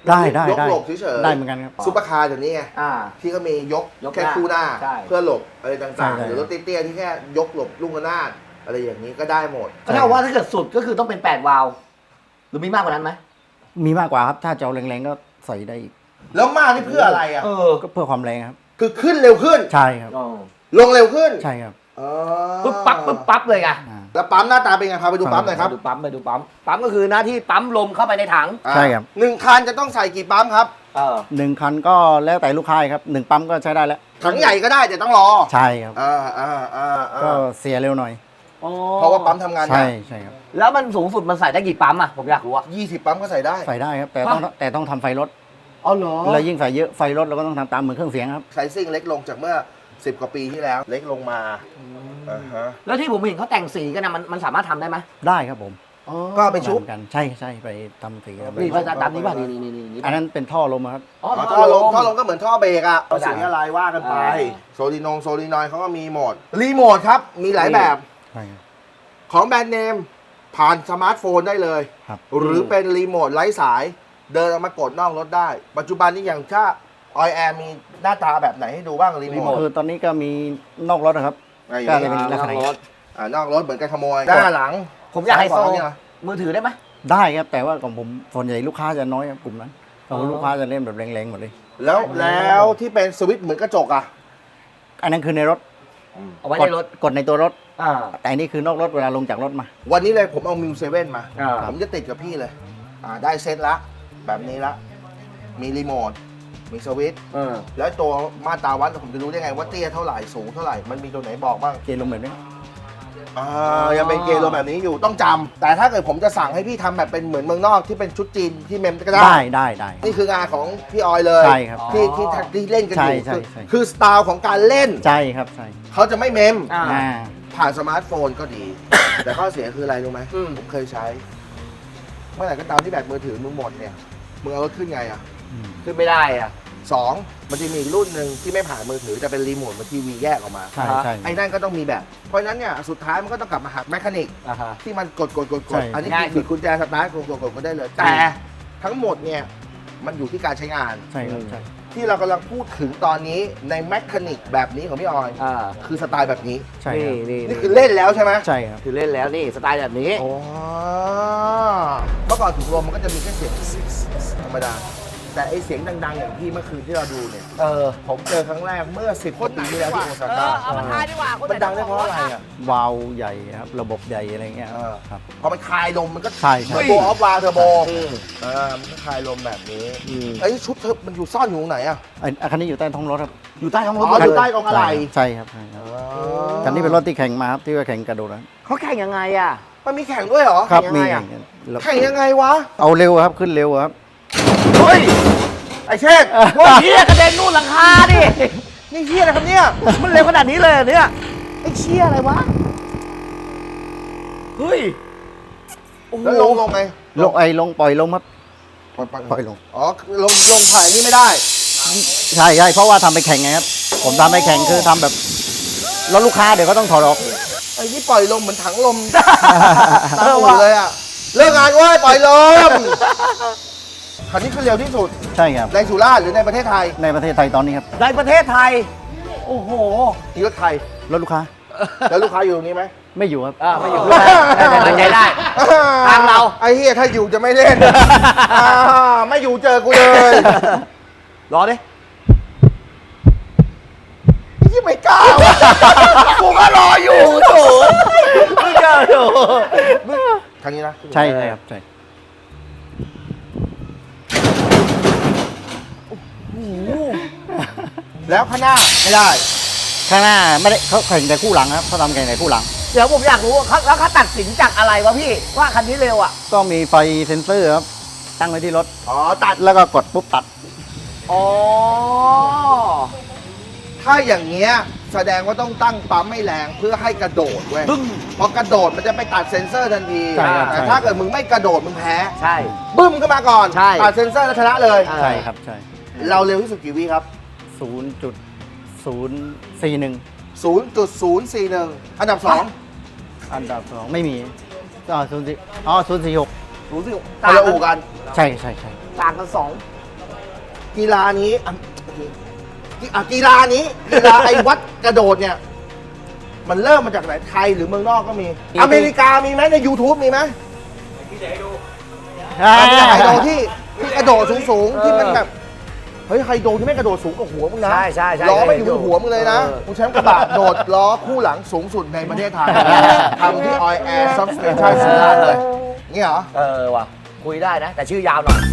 [SPEAKER 6] ได้ได้
[SPEAKER 1] ยก
[SPEAKER 6] ได้
[SPEAKER 1] หลบเฉยๆ
[SPEAKER 6] ได้เหมือนกันครับ
[SPEAKER 1] ซุปเปอร์คาร์เดี๋ยวนี้ไง
[SPEAKER 4] อ่า
[SPEAKER 1] ที่ก็มียก
[SPEAKER 4] ยก
[SPEAKER 1] แค่
[SPEAKER 4] หน้า
[SPEAKER 1] คู่หน้า
[SPEAKER 4] ใช่
[SPEAKER 1] เพื่อหลบอะไร
[SPEAKER 6] ใช่
[SPEAKER 1] ต่างๆ
[SPEAKER 6] ใช่
[SPEAKER 1] หรือรถเตี้ยๆที่แค่ยกหลบลูกระนาดอะไรอย่างนี้ก็ได้หมด
[SPEAKER 4] ก็เท่ากับว่าถ้าเกิดสุดก็คือต้องเป็นแปดวาล์วหรือมีมากกว่านั้นไหม
[SPEAKER 6] มีมากกว่าครับถ้าจะเอาแรงๆก็ใส่ได้อีก
[SPEAKER 1] แล้วมากนี่เพื่ออะไรอ่ะ
[SPEAKER 4] เออ
[SPEAKER 6] ก็เพื่อความแรงครับ
[SPEAKER 1] คือขึ้นเร็วขึ้น
[SPEAKER 6] ใช่ครับ
[SPEAKER 4] อ๋อ
[SPEAKER 1] ลงเร็วขึ้น
[SPEAKER 6] ใช่ครับ
[SPEAKER 1] อ๋อ
[SPEAKER 4] ปึ๊บปั๊บปึ๊บปั๊บเลยไง
[SPEAKER 6] อ่า
[SPEAKER 1] แล้วปั๊มหน้าตาเป็นไงพาไปดูปั๊มหน่อยครับ
[SPEAKER 4] ไปดูปั๊มไปดูปั๊มปั๊มก็คือหน้าที่ปั๊มลมเข้าไปในถัง
[SPEAKER 1] อ่า
[SPEAKER 6] ใช่ครับ
[SPEAKER 1] หนึ่งคันจะต้องใส่กี่ปั๊มครับ
[SPEAKER 4] เออ
[SPEAKER 6] หนึ่งคันก็แล้วแต่ลูกค้าครับหนึ่งปั๊มก็ใช้ได้แล้ว
[SPEAKER 1] ถังใหญ่ก็ได้แต่ต้องรอ
[SPEAKER 6] ใช่ครับ
[SPEAKER 1] อ่าอ่าอ่าอ่า
[SPEAKER 6] ก็เสียเร็วหน่อย
[SPEAKER 4] อ๋อ
[SPEAKER 1] เพราะว่าปั๊มทำงานหนั
[SPEAKER 6] ใช่
[SPEAKER 1] ก
[SPEAKER 6] ใช่ครับ
[SPEAKER 4] แล้วมันสูงสุดมันใส่ได้กี่ปั๊มอ่ะผมอยากรู้อ่ะ
[SPEAKER 1] ยี่สิบปั๊มก็ใส่ได้
[SPEAKER 6] ใส่ได้ครับ แต่ต้องแต่ต้องทำไฟลด
[SPEAKER 4] อ๋อเหรอ
[SPEAKER 6] แล้วยิ่งใส่เยอะไฟลดเราก็ต้องทำตามเหมือนเครื่องเสียงครับ
[SPEAKER 1] ไซซิ่งเล็กลงจากเมื่อสิบกว่าปีที่แล้วเล็กลงมาอ่าฮะ
[SPEAKER 4] แล้วที่ผมเห็นเขาแต่งสีกันนะมันมันสามารถทำได้ไหม
[SPEAKER 6] ได้ครับผม
[SPEAKER 1] ก็เอาไปชุบ
[SPEAKER 6] เหมือนกันใช่ใช่ไปทำสีครับ
[SPEAKER 4] นี่พระอาจารย์ตามนี้ป่ะนี่นี่นี่นี่
[SPEAKER 6] อันนั้นเป็นท่อลมครับ
[SPEAKER 4] อ๋อ
[SPEAKER 1] อ๋อท่อลมท่อลมก็เหมือนท่อเบรกอะเอา
[SPEAKER 4] เข้าใจ
[SPEAKER 1] สีอะไรว่ากันไป
[SPEAKER 4] อ่า
[SPEAKER 1] โซลินงโซลินอยเขาก็มีหมด รีโมทครับ มีหลายแบบ
[SPEAKER 6] ใช่ครับ
[SPEAKER 1] ของแบรนด์เนม ผ่านสมาร์ทโฟนได้เลย
[SPEAKER 6] ครับ
[SPEAKER 1] หรือเป็นรีโมทไร้สาย เดินออกมากดนอกรถได้ ปัจจุบันนี้อย่างถ้าออยแอร์มีหน้าตาแบบไหนให้ดูบ้างรีโมท
[SPEAKER 6] คือตอนนี้ก็มีนอกรถนะครับ
[SPEAKER 1] อ่ะอ
[SPEAKER 6] ก็
[SPEAKER 1] ย่าง
[SPEAKER 6] จะ
[SPEAKER 1] นี้
[SPEAKER 6] เป็นลักษณะ
[SPEAKER 4] รถ
[SPEAKER 1] อ่านอกรถเหมือนกันขโมยหน้าหลัง
[SPEAKER 4] ผมอยากไฮโซ
[SPEAKER 1] ซ้ขวเนี่ย
[SPEAKER 4] มือถือได้ไหม
[SPEAKER 6] ได้ครับ แต่ว่าของผมส่วนใหญ่ลูกค้าจะน้อยครับกลุ่มนั้นของลูกค้าจะเล่นแบบแรงๆหมดเลย
[SPEAKER 1] แล้วแล้วที่เป็นสวิตช์เหมือนกระจกอะ
[SPEAKER 6] อันนั้นคือในรถ
[SPEAKER 4] เอาไว้
[SPEAKER 6] ก
[SPEAKER 4] ใน
[SPEAKER 6] ด
[SPEAKER 4] รถ
[SPEAKER 6] กดในตัวรถ
[SPEAKER 4] อ่า
[SPEAKER 6] แต่อันนี้คือนอกรถเวลาลงจากรถมา
[SPEAKER 1] วันนี้เลยผมเอามิวเซเว่นมา
[SPEAKER 4] อ่า
[SPEAKER 1] ผมจะติดกับพี่เลย อ่าได้เซตละ แบบนี้ละ มีรีโมท มีสวิตช์
[SPEAKER 4] เออ
[SPEAKER 1] แล้วตัวมาตราวัดผมจะรู้ได้ไงว่าเตี้ยเท่าไหร่สูงเท่าไหร่ มันมีตัวไหนบอกบ้าง
[SPEAKER 6] เกณฑ์ลงแบบนี้
[SPEAKER 1] อ่ายังเป็นเกณฑ์โลแบบนี้อยู่ต้องจำแต่ถ้าเกิดผมจะสั่งให้พี่ทำแบบเป็นเหมือนเมืองนอกที่เป็นชุดจีนที่เมมก็ได้
[SPEAKER 6] ได้ได้ได้
[SPEAKER 1] นี่คืองานของพี่ออยเลย
[SPEAKER 6] ใช่ครับ
[SPEAKER 1] ที่ที่ที่เล่นกันอยู่
[SPEAKER 6] ใช่ใช่
[SPEAKER 1] คือ
[SPEAKER 6] ใช่
[SPEAKER 1] คือสไตล์ของการเล่น
[SPEAKER 6] ใช่ครับใช่
[SPEAKER 1] เขาจะไม่เมม
[SPEAKER 4] อ่า
[SPEAKER 6] อ่า
[SPEAKER 1] ผ่านสมาร์ทโฟนก็ดี แต่ข้อเสียคืออะไรรู้ไหม
[SPEAKER 4] อืม
[SPEAKER 1] ผมเคยใช้ เมื่อไหร่ก็ตามที่แบตมือถือมึงหมดเนี่ยมึงเอารถขึ้นไงอ่ะ
[SPEAKER 4] ขึ้นไม่ได้อ่ะ
[SPEAKER 1] สองมันจะมีอีกรุ่นหนึ่งที่ไม่ผ่านมือถือแต่เป็นรีโมทเหมันทีวีแยกออกมา
[SPEAKER 6] ใช่ใช่
[SPEAKER 1] ไอ้นั่นก็ต้องมีแบบ เพราะฉะนั้นเนี่ยสุดท้ายมันก็ต้องกลับมาหาแมคานิก
[SPEAKER 4] อ่าฮะ
[SPEAKER 1] ที่มันกดกดกดก
[SPEAKER 6] ใช่
[SPEAKER 1] ดอันนี้
[SPEAKER 4] ง่ายสุ
[SPEAKER 1] คือ
[SPEAKER 4] ด
[SPEAKER 1] กุญแจสตาร์ทกดกดกดก็ได้เลย แต่ทั้งหมดเนี่ยมันอยู่ที่การใช้งาน
[SPEAKER 6] ใช่ครับใช่
[SPEAKER 1] ที่เรากำลังพูดถึงตอนนี้ในแมคานิกแบบนี้ของพี่ออย
[SPEAKER 4] อ่า
[SPEAKER 1] คือสไตล์แบบนี้
[SPEAKER 6] ใช่
[SPEAKER 4] นี่
[SPEAKER 6] ครับ
[SPEAKER 4] นี่
[SPEAKER 1] นี่คือเล่นแล้วใช่ไหม
[SPEAKER 6] ใช่ครับ
[SPEAKER 4] คือเล่นแล้วนี่สไตล์แบบนี้
[SPEAKER 1] โอ้เมื่อก่อนถุงลมมันก็จะมีแค่เสียงธรรมดา แต่ไอเสียงดังๆอย่างที่เมื่อคืนที่เราดูเนี่ย
[SPEAKER 4] เออ
[SPEAKER 1] ผมเจอครั้งแรกเมื่อสิบกว่าปีที่แล้วที่โอซาก้า
[SPEAKER 4] เอามาทายดีกว่า
[SPEAKER 1] มันดังได้เพราะอะไรอ่ะ
[SPEAKER 6] วาล์วใหญ่ครับระบบใหญ่อะไรเงี้ย
[SPEAKER 1] เออ
[SPEAKER 6] ครับ
[SPEAKER 1] พอมันคลายลมมันก็
[SPEAKER 6] ใช่ใช่
[SPEAKER 1] เทอร์โบออฟวาล์วเทอร์โบ
[SPEAKER 4] อืม
[SPEAKER 1] อ่ามันก็คลายลมแบบนี้
[SPEAKER 4] อืม
[SPEAKER 1] ไอ้ชุดเธอมันอยู่ซ่อนอยู่ตรงไหนอ่ะ
[SPEAKER 6] ไอ้อันนี้อยู่ใต้ท้องรถครับ
[SPEAKER 4] อยู่ใต้ท้องร
[SPEAKER 1] อ๋
[SPEAKER 4] ถ
[SPEAKER 1] อ
[SPEAKER 4] เล
[SPEAKER 1] อยู่
[SPEAKER 4] ย
[SPEAKER 1] ใต้กองอะไร
[SPEAKER 6] ใช่ครับใช่ครับคันนี้เป็นรถที่แข่งมาครับที่ว่าแข่งกระโดดนะ
[SPEAKER 4] เขาแข่งยังไงอ่ะ
[SPEAKER 1] มันมีแข่งด้วยเหรอ
[SPEAKER 6] ครับ
[SPEAKER 1] แข่ง
[SPEAKER 6] มี
[SPEAKER 1] ยังไงอะ
[SPEAKER 6] แล้ว
[SPEAKER 1] แข่งยังไงวะ
[SPEAKER 6] เอาเร็วครับขึ้นเร็วครับ
[SPEAKER 4] เฮ้ย
[SPEAKER 1] ไอ้เชษ
[SPEAKER 4] โอ้ยเฮียกระเด็นนู่นหลังคาดิ
[SPEAKER 1] นี่เฮียอะไรครับเนี่ย
[SPEAKER 4] มันเร็วขนาดนี้เลยเหรอเนี่ยไอ้เชี่ยอะไรวะ เฮ้ยโอ้โห
[SPEAKER 1] แล้วลงลงไง
[SPEAKER 6] ลงไอ้ลงปล่อยลงครับ
[SPEAKER 1] ปล่อยปล่อย
[SPEAKER 6] ปล่อยลง
[SPEAKER 1] อ๋อลงลงผ่านนี่ไม่ได้
[SPEAKER 6] ใช่ใช่เพราะว่าทำไปแข่งไงครับ ผมทำไปแข่งคือทำแบบรถลูกค้าเดี๋ยวก็ต้องถอดออก
[SPEAKER 1] ไอ้นี่ปล่อยลมเหมือนถังลม ตามหูเลยอ่ะ เลิกงานเว้ยปล่อยลม คันนี้คือเร็วที่สุด
[SPEAKER 6] ใช่ครับ
[SPEAKER 1] ในสุราษฎร์หรือในประเทศไทย
[SPEAKER 6] ในประเทศไทยตอนนี้ครับ
[SPEAKER 4] ในประเทศไทย โอ้โห
[SPEAKER 1] ที่รถไทย
[SPEAKER 6] รถลูกค้า
[SPEAKER 1] แล้วลูกค้าอยู่ตรงนี้ไหม
[SPEAKER 6] ไม่อยู่ครับ
[SPEAKER 4] อ่าไม่อยู่ด้วยไว้ใจได้ ทางเรา
[SPEAKER 1] ไอ้เฮียถ้าอยู่จะไม่เล่น อ่าไม่อยู่เจอกูเลย
[SPEAKER 4] รอดิ
[SPEAKER 1] ยี่ไม่กล้าวะกูก็รออยู่
[SPEAKER 4] โถไม่เจอโถ
[SPEAKER 1] ครั้งนี้นะ
[SPEAKER 6] ใช่ใช่ครับใช่
[SPEAKER 1] แล้วข้างหน้าไม่ได้
[SPEAKER 6] ข้างหน้าไม่ได้เขาแข่งแต่คู่หลังครับเขาทำแข่งแต่คู่หลัง
[SPEAKER 4] เดี๋ยวผมอยากรู้ว่าเขาแล้วเขาตัดสินจากอะไรวะพี่ ว่าคันนี้เร็วอ่ะ
[SPEAKER 6] ก็มีไฟเซ็นเซอร์ครับตั้งไว้ที่รถ
[SPEAKER 1] อ๋อตัด
[SPEAKER 6] แล้วก็กดปุ๊บตัด
[SPEAKER 4] อ๋อ
[SPEAKER 1] ถ้าอย่างเงี้ยแสดงว่าต้องตั้งปั๊มไม่แรงเพื่อให้กระโดดเว้ยพอกระโดดมันจะไปตัดเซ็นเซอร์ทันที
[SPEAKER 6] ใช่ครับ
[SPEAKER 1] แต่
[SPEAKER 6] ใช่
[SPEAKER 1] ถ้าเกิดมึงไม่กระโดดมึงแพ้
[SPEAKER 4] ใช่
[SPEAKER 1] บึ้มขึ้นมาก่อน
[SPEAKER 4] ใช่
[SPEAKER 1] ตัดเซ็นเซอร์แล้วชนะเลย
[SPEAKER 6] ใช่ครับใช่
[SPEAKER 1] เราเร็วที่สุดกี่วิครับ
[SPEAKER 6] ศูนย์จุดศูนย์สี่หนึ่ง
[SPEAKER 1] ศูนย์จุดศูนย์สี่หนึ่ง อันดับสอง
[SPEAKER 6] อันดับสองไม่มีอ๋อศูนย์สี่อ๋อศูนย์สี่หก
[SPEAKER 1] รู้สึกคนละอู่กัน
[SPEAKER 6] ใช่ใช่ใช่
[SPEAKER 4] ต่างกันสอง
[SPEAKER 1] กีฬานี้อ่ะอ่ะกีฬานี้กีฬาไอ้วัดกระโดดเนี่ย มันเริ่มมาจากไหนไทยหรือเมืองนอกก็มี อเมริกามีไหมใน YouTube มีไหมที่ไหนดูไฮโดที่ที่กระโดดสูงๆที่มันแบบเฮ้ยไฮโดที่ไม่กระโดดสูงกว่าหัวมึงนะ
[SPEAKER 4] ใช่ใช่ใช่
[SPEAKER 1] ล้อไม่อยู่บนหัวมึงเลยนะกูแชมป์กระบะโดดล้อคู่หลังสูงสุดในประเทศไทยทำที่ Oil Air Substation สุราษฎร์เลยนี่เหรอ
[SPEAKER 4] เออว่ะคุยได้นะ แต่ชื่อยาวหน่อย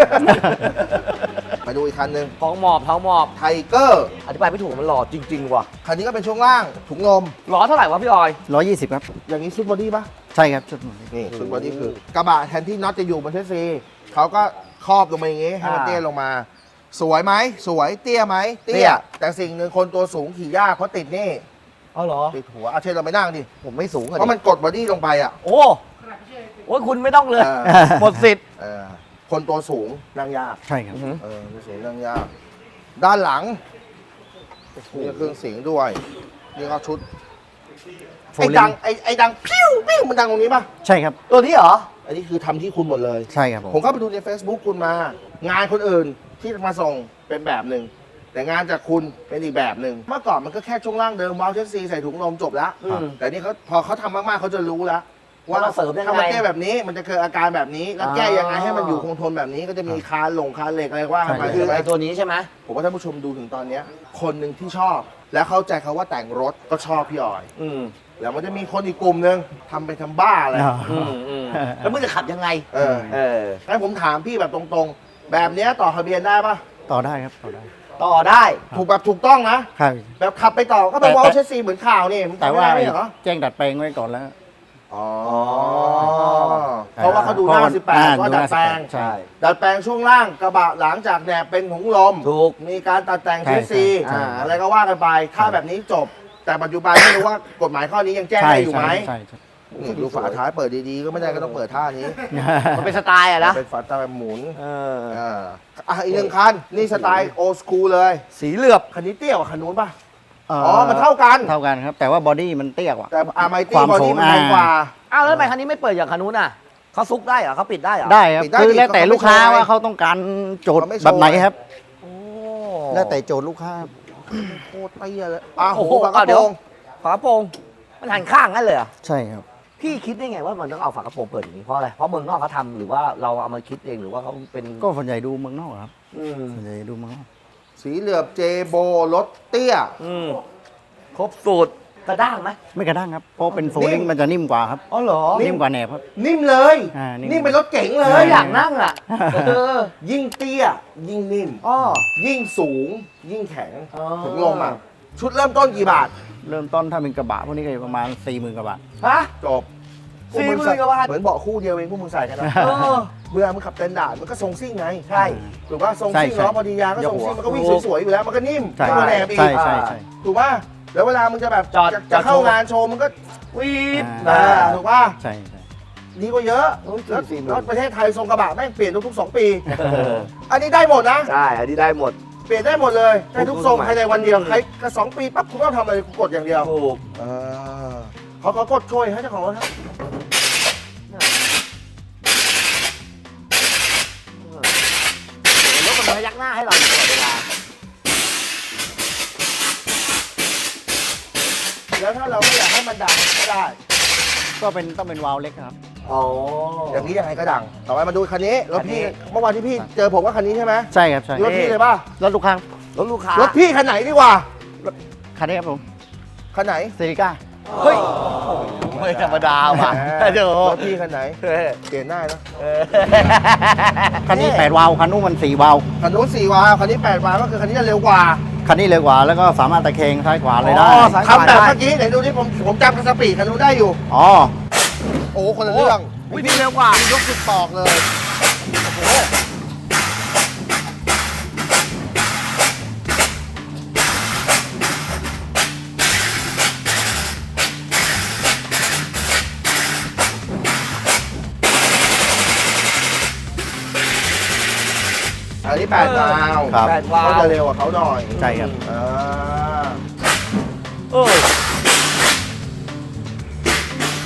[SPEAKER 1] ไปดูอีกคันหนึ่ง
[SPEAKER 4] ท้องหมอบท้องหมอบ
[SPEAKER 1] ไทเกอร์
[SPEAKER 4] อธิบายไม่ถูกมันหล่อจริง ๆ ว่ะ
[SPEAKER 1] คันนี้ก็เป็นช่วงล่างถุงลม
[SPEAKER 4] หล่อเท่าไหร่วะพี่ออย
[SPEAKER 6] ร้อยยี่สิบครับ
[SPEAKER 1] อย่างนี้ชุดบอดี้ปะ
[SPEAKER 6] ใช่ครับชุดหมดเลย
[SPEAKER 1] นี่ชุดบอดี้คือกระบะแทนที่น็อตจะอยู่บนเทสซีเขาก็ครอบลงมาอย่างงี้ให้มัน
[SPEAKER 4] อ่า
[SPEAKER 1] เตี้ยลงมา สวยไหมสวยเตี้ยไหมเตี้
[SPEAKER 4] เตี้
[SPEAKER 1] ย
[SPEAKER 4] ย
[SPEAKER 1] แต่สิ่งหนึ่งคนตัวสูงขี่ยากเพราะติดนี่
[SPEAKER 4] อ๋อเหรอ
[SPEAKER 1] ติดหัวเอาเช่นเราไปนั่งดิ
[SPEAKER 4] ผมไม่สูงอะ
[SPEAKER 1] เพราะมันกดบอดี้ลงไปอ่ะ
[SPEAKER 4] โอ้โอ้ยคุณไม่ต้องเลย
[SPEAKER 1] เออ
[SPEAKER 4] หมดสิทธิ์
[SPEAKER 1] เออคนตัวสูงนั่งยาก
[SPEAKER 6] ใช่ครับ
[SPEAKER 1] เออตัวสูงนั่งยากด้านหลังนี่ก็เครื่องเสียงด้วยนี่ก็ชุดไอ้ดังไอ้ไอ้ดังพิ้วพิ้วมันดังตรงนี้ป่ะ
[SPEAKER 6] ใช่ครับ
[SPEAKER 4] ตัวนี้เหรอ
[SPEAKER 1] อันนี้คือทำที่คุณหมดเลย
[SPEAKER 6] ใช่ครับผม
[SPEAKER 1] ผมเข้าไปดูใน Facebook คุณมา งานคนอื่นที่มาส่งเป็นแบบหนึ่งแต่งานจากคุณเป็นอีกแบบหนึ่งเมื่อก่อนมันก็แค่ช่วงล่างเดิมวาล์วเชสซีใส่ถุงลมจบแล้ว
[SPEAKER 4] อืม
[SPEAKER 1] แต่นี่เขาพอเขาทำมากๆเขาจะรู้แล้ว
[SPEAKER 4] ว่าเราเสริมยังไง
[SPEAKER 1] ถ้ามันแก้แบบนี้มันจะเกิดอาการแบบนี้ แล้วแก้ยังไงให้มันอยู่คงทนแบบนี้ก็จะมีคานหลงคานเหล็กอะไรว่ากันไป
[SPEAKER 4] คือ
[SPEAKER 1] ใช่ไหม
[SPEAKER 4] ไอ้ตัวนี้ใช่ไหม
[SPEAKER 1] ผมว่าท่านผู้ชมดูถึงตอนเนี้ยคนหนึ่งที่ชอบ และเข้าใจเขาว่าแต่งรถก็ชอบพี่ออย
[SPEAKER 4] อืม
[SPEAKER 1] แล้วมันจะมีคนอีกกลุ่มหนึ่งทำไปทำบ้าอะไร
[SPEAKER 6] อ่า
[SPEAKER 4] อืมอืมแล้วมึงจะขับยังไง
[SPEAKER 1] เออ
[SPEAKER 4] เออ
[SPEAKER 1] งั้นผมถามพี่แบบตรงๆ แบบเนี้ยต่อทะเบียนได้ปะ
[SPEAKER 6] ต่อได้ครับต่อได้
[SPEAKER 4] ต่อได้
[SPEAKER 1] ถูกแบบถูกต้องนะ
[SPEAKER 6] ครับ
[SPEAKER 1] แบบขับไปต่อก็เป็น
[SPEAKER 6] แต่
[SPEAKER 1] วอลเชสซีเหมือนข่าวนี่มัน
[SPEAKER 6] แต่
[SPEAKER 1] ทำไม่
[SPEAKER 6] ว่า
[SPEAKER 1] ได้ไม่เหรอ
[SPEAKER 6] แจ้งดัดแปลงไว้ก่อนแล้ว
[SPEAKER 1] อ๋อ เพราะว่าเขาดูหน้า
[SPEAKER 6] เพราะว่า
[SPEAKER 1] สิบแปด
[SPEAKER 6] อ่า
[SPEAKER 1] ว่า
[SPEAKER 6] ดูห
[SPEAKER 1] ดั
[SPEAKER 6] น้า
[SPEAKER 1] ดแปลง
[SPEAKER 6] สิบแปดใช่
[SPEAKER 1] ดัดแปลงช่วงล่างกระบะหลังจากแหนบเป็นถุงลม
[SPEAKER 4] ถูก
[SPEAKER 1] มีการตัดแต่ง
[SPEAKER 6] ใช่
[SPEAKER 1] เชสซี
[SPEAKER 6] ใช่
[SPEAKER 1] อ่า
[SPEAKER 6] ใช่
[SPEAKER 1] อะไรก็ว่ากันไป ถ้าแบบนี้จบ แต่ปัจจุบันไม่รู้ว่ากฎหมายข้อนี้ยังแจ้ง
[SPEAKER 6] ใช่
[SPEAKER 1] ได้อยู่ไหม
[SPEAKER 6] ใช่ใช่
[SPEAKER 1] นี่ดูฝาท้ายเปิดดีๆ ก็ไม่ได้ก็ต้องเปิดท่านี้
[SPEAKER 4] มันเป็นสไตล์อะนะ
[SPEAKER 1] เป็นฝาท้ายแบบหมุน
[SPEAKER 4] เออ
[SPEAKER 1] อ่าอ่ะอีกหนึ่งคัน นี่สไตล์โอ สคูลเลย
[SPEAKER 4] สีเหลือบ
[SPEAKER 1] คันนี้เตี้ยกว่าคันนู้นป่ะ
[SPEAKER 6] อ๋
[SPEAKER 1] อ๋อ มันเท่ากัน
[SPEAKER 6] เท่ากันครับ แต่ว่าบอดี้มันเตี้ยกว่า
[SPEAKER 1] แต่อาร์ไม
[SPEAKER 6] ค
[SPEAKER 1] ตี้
[SPEAKER 6] วาม
[SPEAKER 1] บอ
[SPEAKER 6] สู
[SPEAKER 1] ดี้
[SPEAKER 6] ง
[SPEAKER 1] มันแรงกว่า
[SPEAKER 4] อ้าวแล้วทำไมคันนี้ไม่เปิดอย่างคันนู้นอ่ะเขาซุกได้เหรอเขาปิดได้เหรอ
[SPEAKER 6] ได้ครับ
[SPEAKER 1] ปิดได้
[SPEAKER 6] คือ
[SPEAKER 1] ดิ
[SPEAKER 6] แล้วแต่
[SPEAKER 1] เขาไม่
[SPEAKER 6] ลูกค้า
[SPEAKER 1] โชว์ไง
[SPEAKER 6] ว่าเขาต้องการโจทย์
[SPEAKER 1] เขาไม่โชว์
[SPEAKER 6] แบบไหนครับ
[SPEAKER 4] โอ้
[SPEAKER 6] แล้วแต่โจทย์ลูกค้า
[SPEAKER 1] โคตรเตี้ยเลยอ่ะโห
[SPEAKER 4] โอ้โห
[SPEAKER 1] ฝากระ
[SPEAKER 4] เอา
[SPEAKER 1] โป
[SPEAKER 4] เดี๋
[SPEAKER 1] ร
[SPEAKER 4] ยว
[SPEAKER 1] ง
[SPEAKER 4] ฝากระโปรงมันหันข้างงั้นเลยเหรอ
[SPEAKER 6] ใช่ครับ
[SPEAKER 4] พี่คิดได้ไงว่ามันต้องเอาฝากระโปรงเปิดอย่างนี้เพราะอะไร เพราะเมืองนอกเขาทำหรือว่าเราเอามาคิดเองหรือว่าเขาเป็น
[SPEAKER 6] ก็ส่วนใหญ่ดูเมืองนอกครับ
[SPEAKER 4] อืม
[SPEAKER 6] ส่วนใหญ่ดูเมืองนอก
[SPEAKER 1] สีเหลือบเจโบรถเตี้ย
[SPEAKER 4] อืมครบสูตรกระด้างไหม
[SPEAKER 6] ไม่กระด้างครับ เพราะเป็นโฟ
[SPEAKER 1] นิ่
[SPEAKER 6] ลิง
[SPEAKER 1] ม
[SPEAKER 6] มันจะนิ่มกว่าครับ
[SPEAKER 4] อ๋อเหรอ
[SPEAKER 6] นิ่มกว่าแหนบครับ
[SPEAKER 1] นิ่มเลย
[SPEAKER 6] อ่านิ่ม
[SPEAKER 1] นี่เป็นรถเก๋งเล
[SPEAKER 4] เอย ออยากนั่งอ่ะเออ
[SPEAKER 1] ยิ่งเตี้ย ยิ่งนิ่ม
[SPEAKER 4] อ้อ
[SPEAKER 1] ยิ่งสูง ยิ่งแข็ง
[SPEAKER 4] อ๋อ
[SPEAKER 1] ถึงลมอ่ะ ชุดเริ่มต้นกี่บาท
[SPEAKER 6] เริ่มต้นถ้าเป็นกระบะพวกนี้ก็อยู่ประมาณสี่หมื่นกว่าบาท
[SPEAKER 4] ฮะ
[SPEAKER 1] จบ
[SPEAKER 4] สี่หมื่นกว่าบาท
[SPEAKER 1] เหมือนเบาะคู่เดียวเองพวกมึงใส่กันนะ
[SPEAKER 4] เออ
[SPEAKER 1] เมื่อมึงขับเต็นดาร์ดมันก็ทรงซิ่งไง
[SPEAKER 4] ใช่
[SPEAKER 1] ถูกป่ะทรงซิ่ง
[SPEAKER 6] ใช่
[SPEAKER 1] ล้อพอดียางก็ทรงซิ่งมันก็วิ่งสวยๆอยู่แล้วมันก็นิ่ม
[SPEAKER 6] ใช่
[SPEAKER 1] มันก็แหนบอีก
[SPEAKER 6] ใช่ใช่ใช่
[SPEAKER 1] ถูกป่ะแล้วเวลามึงจะแบบ
[SPEAKER 4] จอด
[SPEAKER 1] จะ
[SPEAKER 4] จ
[SPEAKER 1] จะ
[SPEAKER 4] อด
[SPEAKER 1] เข้า
[SPEAKER 4] โชว์
[SPEAKER 1] งานโชว์มันก็
[SPEAKER 4] วีด
[SPEAKER 6] อ่า
[SPEAKER 1] อ่าถูกป่ะ
[SPEAKER 6] ใช่ใช่
[SPEAKER 1] ดีกว่าเยอะ
[SPEAKER 4] โอ้ย
[SPEAKER 1] แล้ว
[SPEAKER 4] สี่หมื่น
[SPEAKER 1] แล้วประเทศไทยทรงกระบะแม่งเปลี่ยนทุกๆสองปี อันนี้ได้หมดนะ
[SPEAKER 4] ใช่ อันนี้ได้หมด
[SPEAKER 1] เปลี่ยนได้หมดเลยได้ทุกทรง
[SPEAKER 4] ทุกรุ่น
[SPEAKER 1] ภายในวันเดียว
[SPEAKER 4] อืม
[SPEAKER 1] ใครก็สองปีปั๊บคุณต้องทำอะไรกูกดอย่างเดียว
[SPEAKER 4] ถูก
[SPEAKER 1] เออเขาเขากดช่วยให้เจ้าของรถครับ
[SPEAKER 4] รถมันพยักหน้าให้เราตลอดเวลา
[SPEAKER 1] แล้วถ้าเราไม่อยากให้มันดังก็ได้
[SPEAKER 6] ก็เป็นต้องเป็นวาล์วเล็กครับ
[SPEAKER 4] อ๋อ
[SPEAKER 1] อย่างนี้ยังไงก็ดัง ต่อไปมาดูคันนี้รถพี่
[SPEAKER 4] คันนี้
[SPEAKER 1] เมื่อวานที่พี่เจอผมว่าคันนี้ใช่ไหม
[SPEAKER 6] ใช่ครับใช่
[SPEAKER 1] รถพี่เลยป่ะ
[SPEAKER 6] รถลูกค้าร
[SPEAKER 4] ถลูกค้าร
[SPEAKER 1] ถพี่คันไหนดีกว่า
[SPEAKER 6] คันนี้ครับผม
[SPEAKER 1] คันไหน
[SPEAKER 6] เซริก้า
[SPEAKER 4] เฮ้ยไม่ธรรมดาว่ะ
[SPEAKER 1] แหม
[SPEAKER 4] เดี๋ยว
[SPEAKER 1] รถพี่คันไหน
[SPEAKER 4] เฮ้ย
[SPEAKER 1] เปลี่ยนได้นะ
[SPEAKER 4] เออ
[SPEAKER 6] คันนี้แปดวาล์วคันนู้นมันสี่วาล์ว
[SPEAKER 1] คันนู้นสี่วาล์วคันนี้แปดวาล์วก็คือคันนี้จะเร็วกว่า
[SPEAKER 6] คันนี้เร็วกว่าแล้วก็สามารถตะเคงซ้ายขวาเลยได้
[SPEAKER 4] อ๋อซ้าย
[SPEAKER 1] ทำแบบเมื่อกี้ไหนดูที่ผมผมจำสปีดคันนู้นได้อยู่
[SPEAKER 6] อ๋อ
[SPEAKER 1] โอ้คนละเรื่อง
[SPEAKER 4] อุ้ยนี่เร็วกว่า
[SPEAKER 1] ยกสุดตอกเลยโอ้โหอันนี้แปดวาล์ว
[SPEAKER 6] ครับ
[SPEAKER 4] แปดวาล์ว
[SPEAKER 1] เขาจะเร็วกว่าเขาหน่อย
[SPEAKER 6] ใช่ครับ
[SPEAKER 1] อ่า
[SPEAKER 4] เออ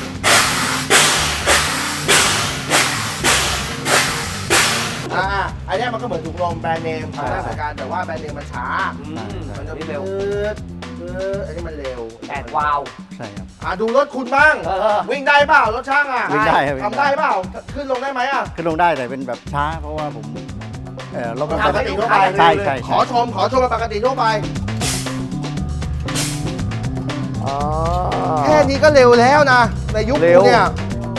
[SPEAKER 1] อ่าไอนเนี้ยมันก็เหมือนถุงลมแบรนด์เนมทำได้เหมือนกันแต่ว่าแบรนด์เนมมันช้า
[SPEAKER 4] อืม
[SPEAKER 1] มันจะ
[SPEAKER 4] นี่เร็ว
[SPEAKER 1] พืดพืดอันนี้มันเร็ว
[SPEAKER 4] แปดวาล์ว
[SPEAKER 6] ใช่ครับ
[SPEAKER 1] อ่ะดูรถคุณบ้าง
[SPEAKER 4] เออ
[SPEAKER 1] วิ่งได้เปล่ารถช่างอ่ะ
[SPEAKER 6] วิ่งได้ครับ
[SPEAKER 1] ทำได้เปล่าขึ้นลงได้ไหมอ่ะ
[SPEAKER 6] ขึ้นลงได้แต่เป็นแบบช้า เพราะว่าผมเออรถมัน
[SPEAKER 1] ปกติทั่วไป
[SPEAKER 6] ใช่ใช่
[SPEAKER 1] ขอชมขอชมเป็นปกติทั่วไป
[SPEAKER 4] อ๋อ
[SPEAKER 1] แค่นี้ก็เร็วแล้วนะ ในยุค
[SPEAKER 4] เร็
[SPEAKER 1] กู
[SPEAKER 4] ว
[SPEAKER 1] เนี่ย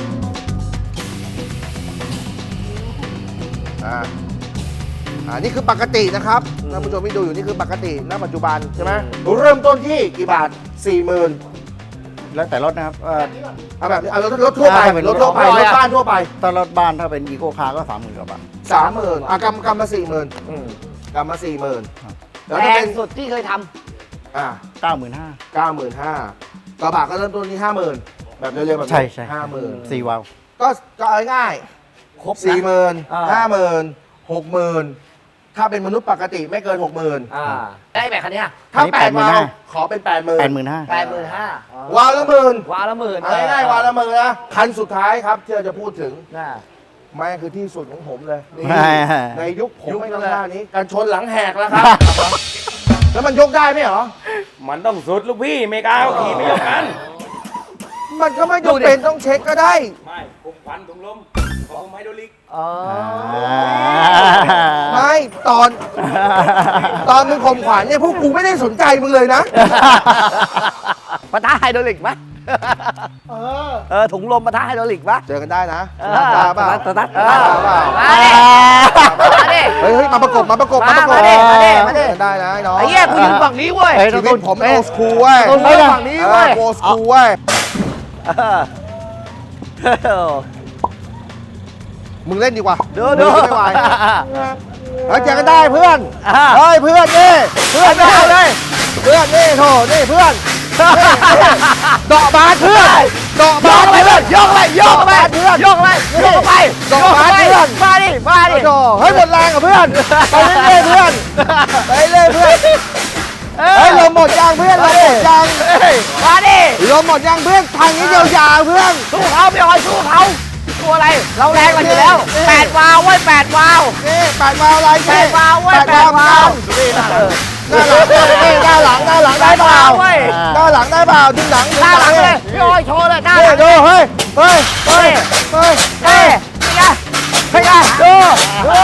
[SPEAKER 1] อ่าอ่านี่คือปกตินะครับท่านผู้ชมที่ดูอยู่นี่คือปกติณปัจจุบันใช่ไหมเริ่มต้นที่กี่บาทสี่หมื่น
[SPEAKER 6] แล้วแต่รถนะครับเอ่อ
[SPEAKER 1] เอาแบบนี้เอารถรถทั่วไป
[SPEAKER 6] อ่าเป็น
[SPEAKER 1] ร
[SPEAKER 6] ร
[SPEAKER 1] ถ
[SPEAKER 6] ถ
[SPEAKER 1] ทั่วไป
[SPEAKER 4] ทั่วไป
[SPEAKER 1] รถบ้านทั่วไป
[SPEAKER 6] ถ้ารถบ้านถ้าเป็นอีโคคาร์ก็สามหมื่นกว่าบาท
[SPEAKER 1] สามหมื่นอ่ะกำกำมาสี่หมื่น
[SPEAKER 4] อืม
[SPEAKER 1] กำมาสี่หมื่น
[SPEAKER 6] ครับ
[SPEAKER 1] แล้ว
[SPEAKER 4] แพ
[SPEAKER 1] จะเป็
[SPEAKER 4] ง
[SPEAKER 1] น
[SPEAKER 4] สุดที่เคยท
[SPEAKER 1] อ่า
[SPEAKER 6] เก้าหมื่นห้า
[SPEAKER 1] เก้าหมื่นห้ากระบะก็เริ่มต้นที่ห้าหมื่นแบบเร็วๆแบบนี้
[SPEAKER 6] ใช่ใช่
[SPEAKER 1] ห้าหมื่น
[SPEAKER 6] สี่วาล์ว
[SPEAKER 1] ก็ก็เอาง่าย
[SPEAKER 4] ำครบ
[SPEAKER 1] ๆสี่หมื่น
[SPEAKER 4] อ่า
[SPEAKER 1] ห้าหมื่นหกหมื่นถ้าเป็นมนุษย์ปกติไม่เกินหกหมื่น
[SPEAKER 4] อ่าได้แบบคันเนี้ย
[SPEAKER 1] ถ้า
[SPEAKER 6] อันนี้
[SPEAKER 1] แปด
[SPEAKER 6] แปดหมื่น
[SPEAKER 1] วาล์ว
[SPEAKER 6] ห้า
[SPEAKER 1] ขอเป็นแปดหมื่น
[SPEAKER 6] แปดหมื่นห้า
[SPEAKER 4] แปดหมื่นห้าว
[SPEAKER 1] าล์วละหมื่น
[SPEAKER 4] วาล์วละหมื่น
[SPEAKER 1] เอาง่ายๆวาล์วละหมื่นนะคันสุดท้ายครับที่เราจะพูดถึง
[SPEAKER 4] น่า
[SPEAKER 1] แม่งคือที่สุดของผมเลยนี่
[SPEAKER 6] แม่
[SPEAKER 1] ในยุคผม
[SPEAKER 4] ยุค
[SPEAKER 1] ไม่
[SPEAKER 4] นั้
[SPEAKER 1] ต้อน ง
[SPEAKER 4] เลย
[SPEAKER 1] ท่านี้การชนหลังแหกแล้วครับ แล้วมันยกได้ไหมเหรอ
[SPEAKER 7] มันต้องสุดลูกพี่ไม่กล้าเอาขี่ไม่ยกกัน
[SPEAKER 1] มันก็ไม่จำเป็นต้องเช็คก็ได้
[SPEAKER 7] ไม่ผมควันถุงลมของผมไฮโดรลิก
[SPEAKER 4] อ๋อ
[SPEAKER 1] ไม่ตอน ตอนมึงข่มขวัญเนี่ยพวกกูไม่ได้สนใจมึงเลยนะ
[SPEAKER 4] ปะทะไฮดรอลิกไหม
[SPEAKER 1] เออ
[SPEAKER 4] เออถุงลมปะทะไฮดรอลิกปะ
[SPEAKER 1] เจอกันได้นะ
[SPEAKER 4] เออ
[SPEAKER 1] ตาเปล่า
[SPEAKER 4] ตาตา
[SPEAKER 1] ตาเปล่า
[SPEAKER 4] มาดิมาดิ
[SPEAKER 1] เฮ้ยเฮ้ยมาประกบมาประกบ
[SPEAKER 4] มา
[SPEAKER 1] ประกบ
[SPEAKER 4] มาดิมาดิมาดิ
[SPEAKER 1] เจอกันได้นะไอ้น้อง
[SPEAKER 4] ไอ้เหี้ยกูยืนฝั่งนี้เว้ย
[SPEAKER 6] เฮ้ย
[SPEAKER 1] ชีวิตผมโอสคูลเว้ย
[SPEAKER 4] ตรงนี้ฝั่งนี้เว้ย
[SPEAKER 1] โอสคูลเว้ย
[SPEAKER 4] เออ
[SPEAKER 1] มึงเล่นดีกว่า
[SPEAKER 4] ดูดู
[SPEAKER 1] มึงไม่ไหวเฮ้ยเจอกันได้เพื่อน
[SPEAKER 4] อ่า
[SPEAKER 1] เฮ้ยเพื่อนนี่เพื่อนไม่เอาเลยเพื่อนนี่โถนี่เพื่อนเดาะบาสเพื่อนเดาะ
[SPEAKER 4] ย
[SPEAKER 1] บาก ส
[SPEAKER 4] ไป
[SPEAKER 1] เพื่
[SPEAKER 4] เพื่
[SPEAKER 1] อ
[SPEAKER 4] อน นยกไปยกไป
[SPEAKER 1] เพื่อน
[SPEAKER 4] ยกไปยกไป
[SPEAKER 1] ยกไปเพื่อน
[SPEAKER 4] มาดิมาดิ
[SPEAKER 1] โถเฮ้ยหมดแรงกับเพื่อนไปเรื่อยๆเพื่อนไปเรื่อยๆเพื่อนเฮ้ยลมหมดยางเพื่อนลมหมดยาง
[SPEAKER 4] มาดิ
[SPEAKER 1] ลมหมดยางเพื่อนทางนี้ยาวๆเพื่อน
[SPEAKER 4] สู้เขาพี่ออยสู้เขาตัวอะไรเราแรงกว่าอยู่แล้วแปดวาล์วเว้ยแปดวาล์ว
[SPEAKER 1] นี่แปดวาล์วอะไร
[SPEAKER 4] แปดวาล์วเว้ยแปดวาล์ว
[SPEAKER 1] หน้าหลังหน้าหลังหน้าหลังได้เปล่า
[SPEAKER 4] เว้ย
[SPEAKER 1] หน้าหลังได้เปล่าดึงหลังดึง
[SPEAKER 4] หน้าหลัง
[SPEAKER 1] เล
[SPEAKER 4] เลย ยพี่ออยโชว์เลยหน้าห
[SPEAKER 1] เฮ้
[SPEAKER 4] ลั
[SPEAKER 1] ย
[SPEAKER 4] ง
[SPEAKER 1] ดูเฮ้ยเฮ้ยเฮ้ยเฮ้ย
[SPEAKER 4] เฮ้ยเฮ้ยดูดู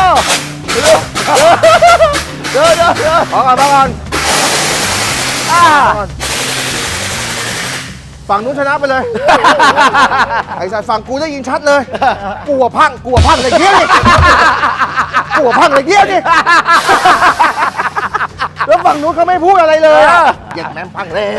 [SPEAKER 4] ดูดูดู
[SPEAKER 1] พอก่อนพอก่อน
[SPEAKER 4] อ่า
[SPEAKER 1] ฝั่งนู้นชนะไปเลย ไอ้สายฝั่งกูได้ยินชัดเลยกลัวพังกลัวพังอะไรเงี้ยนี่กลัวพังอะไรเงี้ยนี่แล้วฝั่งนู้นเขาไม่พูดอะไรเลยอะเหย็ดแม่งพังเลย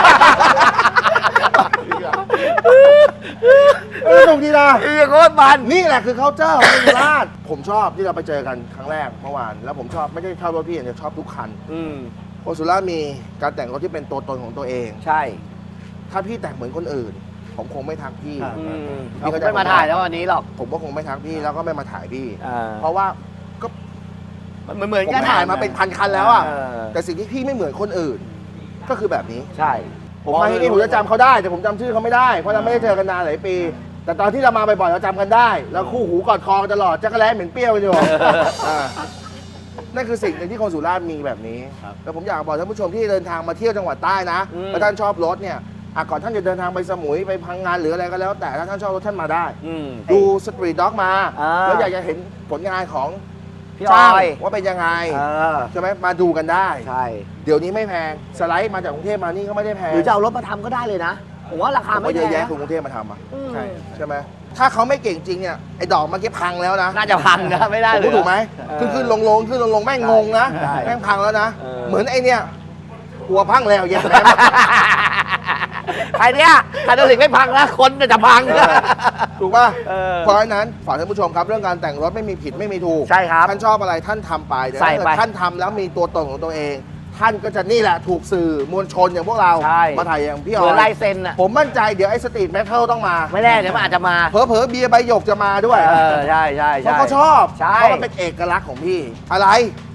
[SPEAKER 1] สนุกดีนะ
[SPEAKER 4] อีโคตรมัน
[SPEAKER 1] นี่แหละคือ culture ของเมืองราชผมชอบที่เราไปเจอกันครั้งแรกเมื่อวาน แล้วผมชอบไม่ได้ชอบรถพี่อย่างเดียวชอบทุกคัน
[SPEAKER 4] อืม
[SPEAKER 1] โอซูล่ามีการแต่งรถที่เป็นตัวตนของตัวเอง
[SPEAKER 4] ใช่
[SPEAKER 1] ถ้าพี่แต่งเหมือนคนอื่น ผมคงไม่ทักพี่
[SPEAKER 4] อืม
[SPEAKER 1] พี่
[SPEAKER 4] เรา
[SPEAKER 1] เข้าใจ
[SPEAKER 4] ไม่มาถ่ายแล้ววันนี้หรอก
[SPEAKER 1] ผมก็คงไม่ทักพี่แล้วก็ไม่มาถ่ายพี่
[SPEAKER 4] อ่า
[SPEAKER 1] เพราะว่าก็
[SPEAKER 4] มันเหมือน
[SPEAKER 1] ผม
[SPEAKER 4] กัน
[SPEAKER 1] ถ่ายมาเป็นพันคันแล้วอ่ะ
[SPEAKER 4] เออ
[SPEAKER 1] แต่สิ่งที่พี่ไม่เหมือนคนอื่น ก็คือแบบนี้
[SPEAKER 4] ใช่
[SPEAKER 1] ผมมาที่นี่ผมจะจำเขาได้ แต่ผมจำชื่อเขาไม่ได้เพราะเราไม่ได้เจอกันนานหลายปี แต่ตอนที่เรามาบ่อยๆเราจำกันได้ แล้วคู่หูกอดคอกันตลอดจักรแล้เหม็นเปรี้ยวกันอยู่อ่านั่นคือสิ่งหนึ่งที่คนสุราษฎร์มีแบบนี้แล้วผมอยากบอกท่านผู้ชมที่เดินทางมาเที่ยวจังหวัดใต้นะถ้าท่านชอบรถเนี่ยอ่ะก่อนท่านจะเดินทางไปสมุยไปพังงานหรืออะไรก็แล้ว แต่ถ้าท่านชอบรถท่านมาได้
[SPEAKER 4] อืม
[SPEAKER 1] ดูสตรีทด็อกมา
[SPEAKER 4] อ่า
[SPEAKER 1] แล้วอยากจะเห็นผลงานของ
[SPEAKER 4] พี่อ
[SPEAKER 1] ช่าง
[SPEAKER 4] อย
[SPEAKER 1] ว่าเป็นยังไง
[SPEAKER 4] เออ
[SPEAKER 1] ใช่ไหมมาดูกันได้
[SPEAKER 4] ใช่
[SPEAKER 1] เดี๋ยวนี้ไม่แพงสไลด์มาจากกรุงเทพมานี่ก็ไม่ได้แพง
[SPEAKER 4] หรือจะเอารถมาทำก็ได้เลยนะ ผมว่าราคา
[SPEAKER 1] ผม
[SPEAKER 4] ไม่
[SPEAKER 1] ว่า
[SPEAKER 4] แพ
[SPEAKER 1] เยอะ
[SPEAKER 4] ง
[SPEAKER 1] แยะคนกรุงเทพมาทำอ่ะ
[SPEAKER 4] อืม
[SPEAKER 6] ใช่
[SPEAKER 1] ใช่ไหมถ้าเขาไม่เก่งจริงเนี่ยไอ้ดอกเมื่อกี้พังแล้วนะ
[SPEAKER 4] น่าจะพังนะไม่ได้
[SPEAKER 1] ผม
[SPEAKER 4] เลย
[SPEAKER 1] พูดถูกไหม
[SPEAKER 4] เออ
[SPEAKER 1] ขึ้นขึ้นลงลงขึ้นลงลงแม่งงงนะ
[SPEAKER 4] ใช่
[SPEAKER 1] แม่งพังแล้วนะ
[SPEAKER 4] เออ
[SPEAKER 1] เหมือนไอ้เนี่ยหัวพังแล้วเย็นแม่
[SPEAKER 4] ใครเนี่ยใครตัวถึงไม่พังนะคนจะพัง
[SPEAKER 1] ถูกป่ะ
[SPEAKER 4] เออ
[SPEAKER 1] เพราะฉะนั้นฝากท่านผู้ชมครับเรื่องการแต่งรถไม่มีผิดไม่มีถูก
[SPEAKER 4] ใช่ครับ
[SPEAKER 1] ท่านชอบอะไรท่านทำไปแต่
[SPEAKER 4] ใส่
[SPEAKER 1] ถ้าเกิ
[SPEAKER 4] ไป
[SPEAKER 1] ดท่านทำแล้วมีตัวตนของตัวเอง ท่านก็จะนี่แหละถูกสื่อมวลชนอย่างพวกเรา
[SPEAKER 4] ใช่
[SPEAKER 1] มาถ่ายอย่างพี่
[SPEAKER 4] เห
[SPEAKER 1] อ๋
[SPEAKER 4] มือน
[SPEAKER 1] อ
[SPEAKER 4] ลายเซ็นอะ
[SPEAKER 1] ผมมั่นใจเดี๋ยวไอ้สตรีทแมทเทิลต้องมา
[SPEAKER 4] ไม่แน่เดี๋ยวมันอาจจะมา
[SPEAKER 1] เผลอๆเบียร์ใบหยกจะมาด้วย
[SPEAKER 4] เออใช่ใช่
[SPEAKER 1] เพ
[SPEAKER 4] ใช่
[SPEAKER 1] ราะเขาชอบ
[SPEAKER 4] ใช่
[SPEAKER 1] เพราะมันเป็นเอกลักษณ์ของพี่ อะไร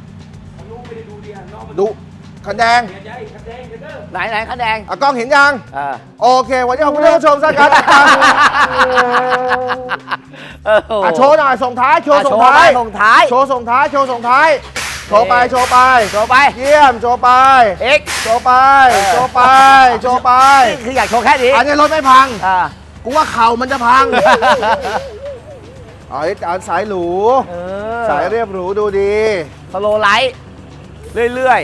[SPEAKER 1] ดูคันแดง
[SPEAKER 4] ไหนไหนคะแนน
[SPEAKER 1] อ่ะกล้องเห็นยัง
[SPEAKER 4] อ่า
[SPEAKER 1] โอเค วันนี้ขอบคุณท่านผู้ชมสักการ
[SPEAKER 4] เออโอ้โห
[SPEAKER 1] อ่ะโชว์หน่อยส่งท้ายโชว์
[SPEAKER 4] อ่ะ
[SPEAKER 1] ส่
[SPEAKER 4] โช
[SPEAKER 1] ง
[SPEAKER 4] ว์
[SPEAKER 1] ท้าย
[SPEAKER 4] ไปส่งท้าย
[SPEAKER 1] โชว์ส่งท้ายโชว์ส่งท้ายโชว์ไปโชว์ไป
[SPEAKER 4] โชว์ไป
[SPEAKER 1] เยี่ยมโชว์ไป
[SPEAKER 4] เอ็กซ์
[SPEAKER 1] โชว์ไปโชว์ไปโชว์ไป
[SPEAKER 4] นี่คืออยากโชว์แค่นี้
[SPEAKER 1] อันนี้รถไม่พัง
[SPEAKER 4] อ่า
[SPEAKER 1] กูว่าเข่ามันจะพังเอาไอ้จานสายหรู
[SPEAKER 4] เออ
[SPEAKER 1] สายเรียบหรูดูดี
[SPEAKER 4] สโลว์ไลท์เรื่อย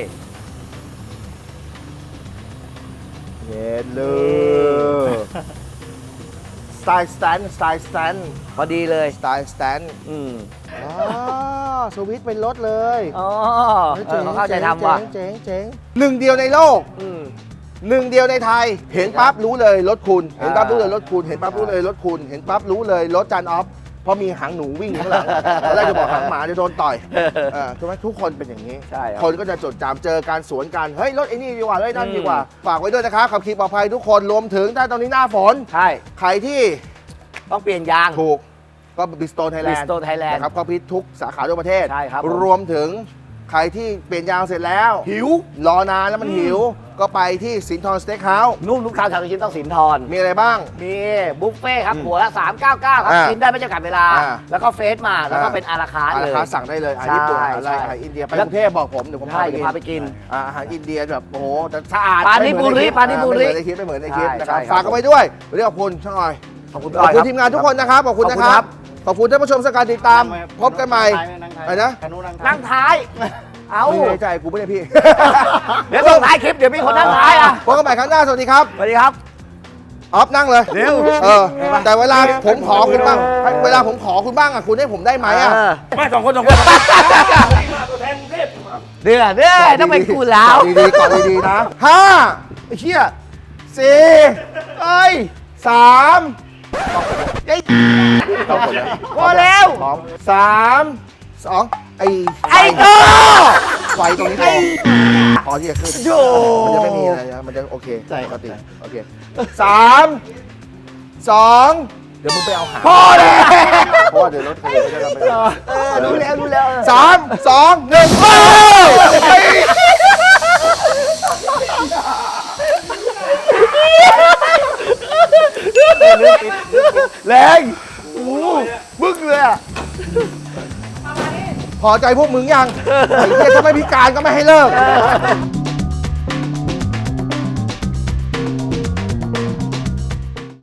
[SPEAKER 1] เย็นเลยสไตล์สแตนสไตล์สแตน
[SPEAKER 4] ๆ พอดีเลย
[SPEAKER 1] สไตล์สแตน
[SPEAKER 4] อืม
[SPEAKER 1] อ๋อสวิตช์เป็นรถเลย
[SPEAKER 4] อ๋อ
[SPEAKER 1] ฮ้ย
[SPEAKER 4] เออเขาเข้าใจทำว่ะ
[SPEAKER 1] เจ๋งเจ๋งหนึ่งเดียวในโลก
[SPEAKER 4] อืม
[SPEAKER 1] หนึ่งเดียวในไทย เห็นปั๊บรู้เลยรถคุณ เห็นปั๊บ
[SPEAKER 4] อ่า
[SPEAKER 1] รู้เลยรถคุณ เห็นปั๊บรู้เลยรถคุณ เห็นปั๊บรู้เลยรถจานออฟ เพราะมีหางหนูวิ่งอยู่ข้างหลังตอนแรกจะบอกหางหมาจะโดนต่อยเออถูกไหมทุกคนเป็นอย่างนี้
[SPEAKER 4] ใช่ครับ
[SPEAKER 1] คนก็จะจดจำเจอการสวนกัน เฮ้ยรถไอ้นี่ดีกว่าเฮ้ยนั่น
[SPEAKER 4] อืม
[SPEAKER 1] ดีกว่า ฝากไว้ด้วยนะครับขับขี่ปลอดภัยทุกคนรวมถึงถ้าตอนนี้หน้าฝน
[SPEAKER 4] ใช่
[SPEAKER 1] ใครที่
[SPEAKER 4] ต้องเปลี่ยนยาง
[SPEAKER 1] ถูกก็บิสโตนไทยแลนด์
[SPEAKER 4] Bridgestone Thailand
[SPEAKER 1] นะครับก็พิทุกสาขาทั่วประเทศ
[SPEAKER 4] ใช่ครับผม
[SPEAKER 1] รวมถึงใครที่เปลี่ยนยางเสร็จแล้ว หิว รอนานแล้วมันหิว ก็ไปที่สินทรสเต็กเฮาส์
[SPEAKER 4] นุ่มทุกคำชาวลูกชิ้นต้องสินทร
[SPEAKER 1] มีอะไรบ้าง
[SPEAKER 4] มีบุฟเฟ่ต์ครับ หัวละ สามเก้าเก้า ครับ
[SPEAKER 1] อ่า
[SPEAKER 4] กินได้ไม่จำกัดเวลา
[SPEAKER 1] อ่า
[SPEAKER 4] แล้วก็เฟสมา แล้วก็
[SPEAKER 1] อ่า
[SPEAKER 4] เป็นอาราคาร์ท
[SPEAKER 1] อา
[SPEAKER 4] เล
[SPEAKER 1] หาร
[SPEAKER 4] ย
[SPEAKER 1] ค้าสั่งได้เลยอาหาร
[SPEAKER 4] ใช่
[SPEAKER 1] ญี่ปุ่นอาหารอะไร
[SPEAKER 4] ใช่
[SPEAKER 1] อาหารอินเดียไป
[SPEAKER 4] แล้
[SPEAKER 1] ก
[SPEAKER 4] ว
[SPEAKER 1] รุงเทพบอกผมเดี๋ยวผม
[SPEAKER 4] ใช่
[SPEAKER 1] พาไป
[SPEAKER 4] เดี๋ยว
[SPEAKER 1] กิน
[SPEAKER 4] พาไปกิน
[SPEAKER 1] อ่าอาหารอินเดียแบบโอ้โหแต่สะอาด
[SPEAKER 4] ปานิปุริ
[SPEAKER 1] ไม่เหมือ
[SPEAKER 4] ปานิปุริ
[SPEAKER 1] ไม่เหมือนในคลิปไม่เหมือนในคลิป
[SPEAKER 4] ใช่
[SPEAKER 1] นะครับ
[SPEAKER 4] ใช่ครับ
[SPEAKER 1] ฝากกันไว้ด้วยวันนี้ขอบคุณช่างอ้อย
[SPEAKER 4] ขอบคุณ
[SPEAKER 1] ขอบคุณ
[SPEAKER 4] รั
[SPEAKER 1] ทีมงานทุกคนนะครับขอบคุณนะครับ ขอบคุณท่านผู้ชมสักการติดตาม พบกันใหม่อะไรนะ
[SPEAKER 4] นั่งท้าย เอา
[SPEAKER 1] ไม่ในใจกูไม่ได้พี่
[SPEAKER 4] เดี๋ยวส่งท้ายคลิป เดี๋ยวมีคนนั่งท้ายอ่ะ
[SPEAKER 1] พบกันใหม่ครั้งหน้าสวัสดีครับ
[SPEAKER 4] สวัสดีครับ
[SPEAKER 1] ออฟนั่งเลย
[SPEAKER 4] เร็ว
[SPEAKER 1] เออแต่เวลาผมขอคุณบ้างเวลาผมขอคุณบ้างอ่ะคุณให้ผมได้ไหมอ่ะ
[SPEAKER 4] เออ
[SPEAKER 7] ไม่สองคนสองคนมาตัวแทนกรุงเทพ
[SPEAKER 4] เดือดเดือดต้องเป็นกูแล้ว
[SPEAKER 1] ดีๆก่อนดีๆนะห้าไอ้เชี่ยสี่เอ้ยสามไอ้พอแล้วสองสามสองไอ้
[SPEAKER 4] ไอ้โก้
[SPEAKER 1] ไฟตรงนี้พอพอที่จะขึ้น
[SPEAKER 4] โย
[SPEAKER 1] มันจะไม่มีอะไรนะมันจะโอเคใช่ปกติโอเคสามสองเดี๋ยวมึงไปเอาหาง
[SPEAKER 4] พอแล้ว
[SPEAKER 1] เพราะว่าเดี๋ยวรถคันนี้ไม่ได้รับไป
[SPEAKER 4] เออรู้แล้วรู้แล้ว
[SPEAKER 1] สามสองหนึ่งเอ้ยแรงโอ้โหบึ้งเลยอ่ะ พอใจพวกมึงยัง ไอ้เหี้ยถ้าไม่พิการก็ไม่ให้เลิก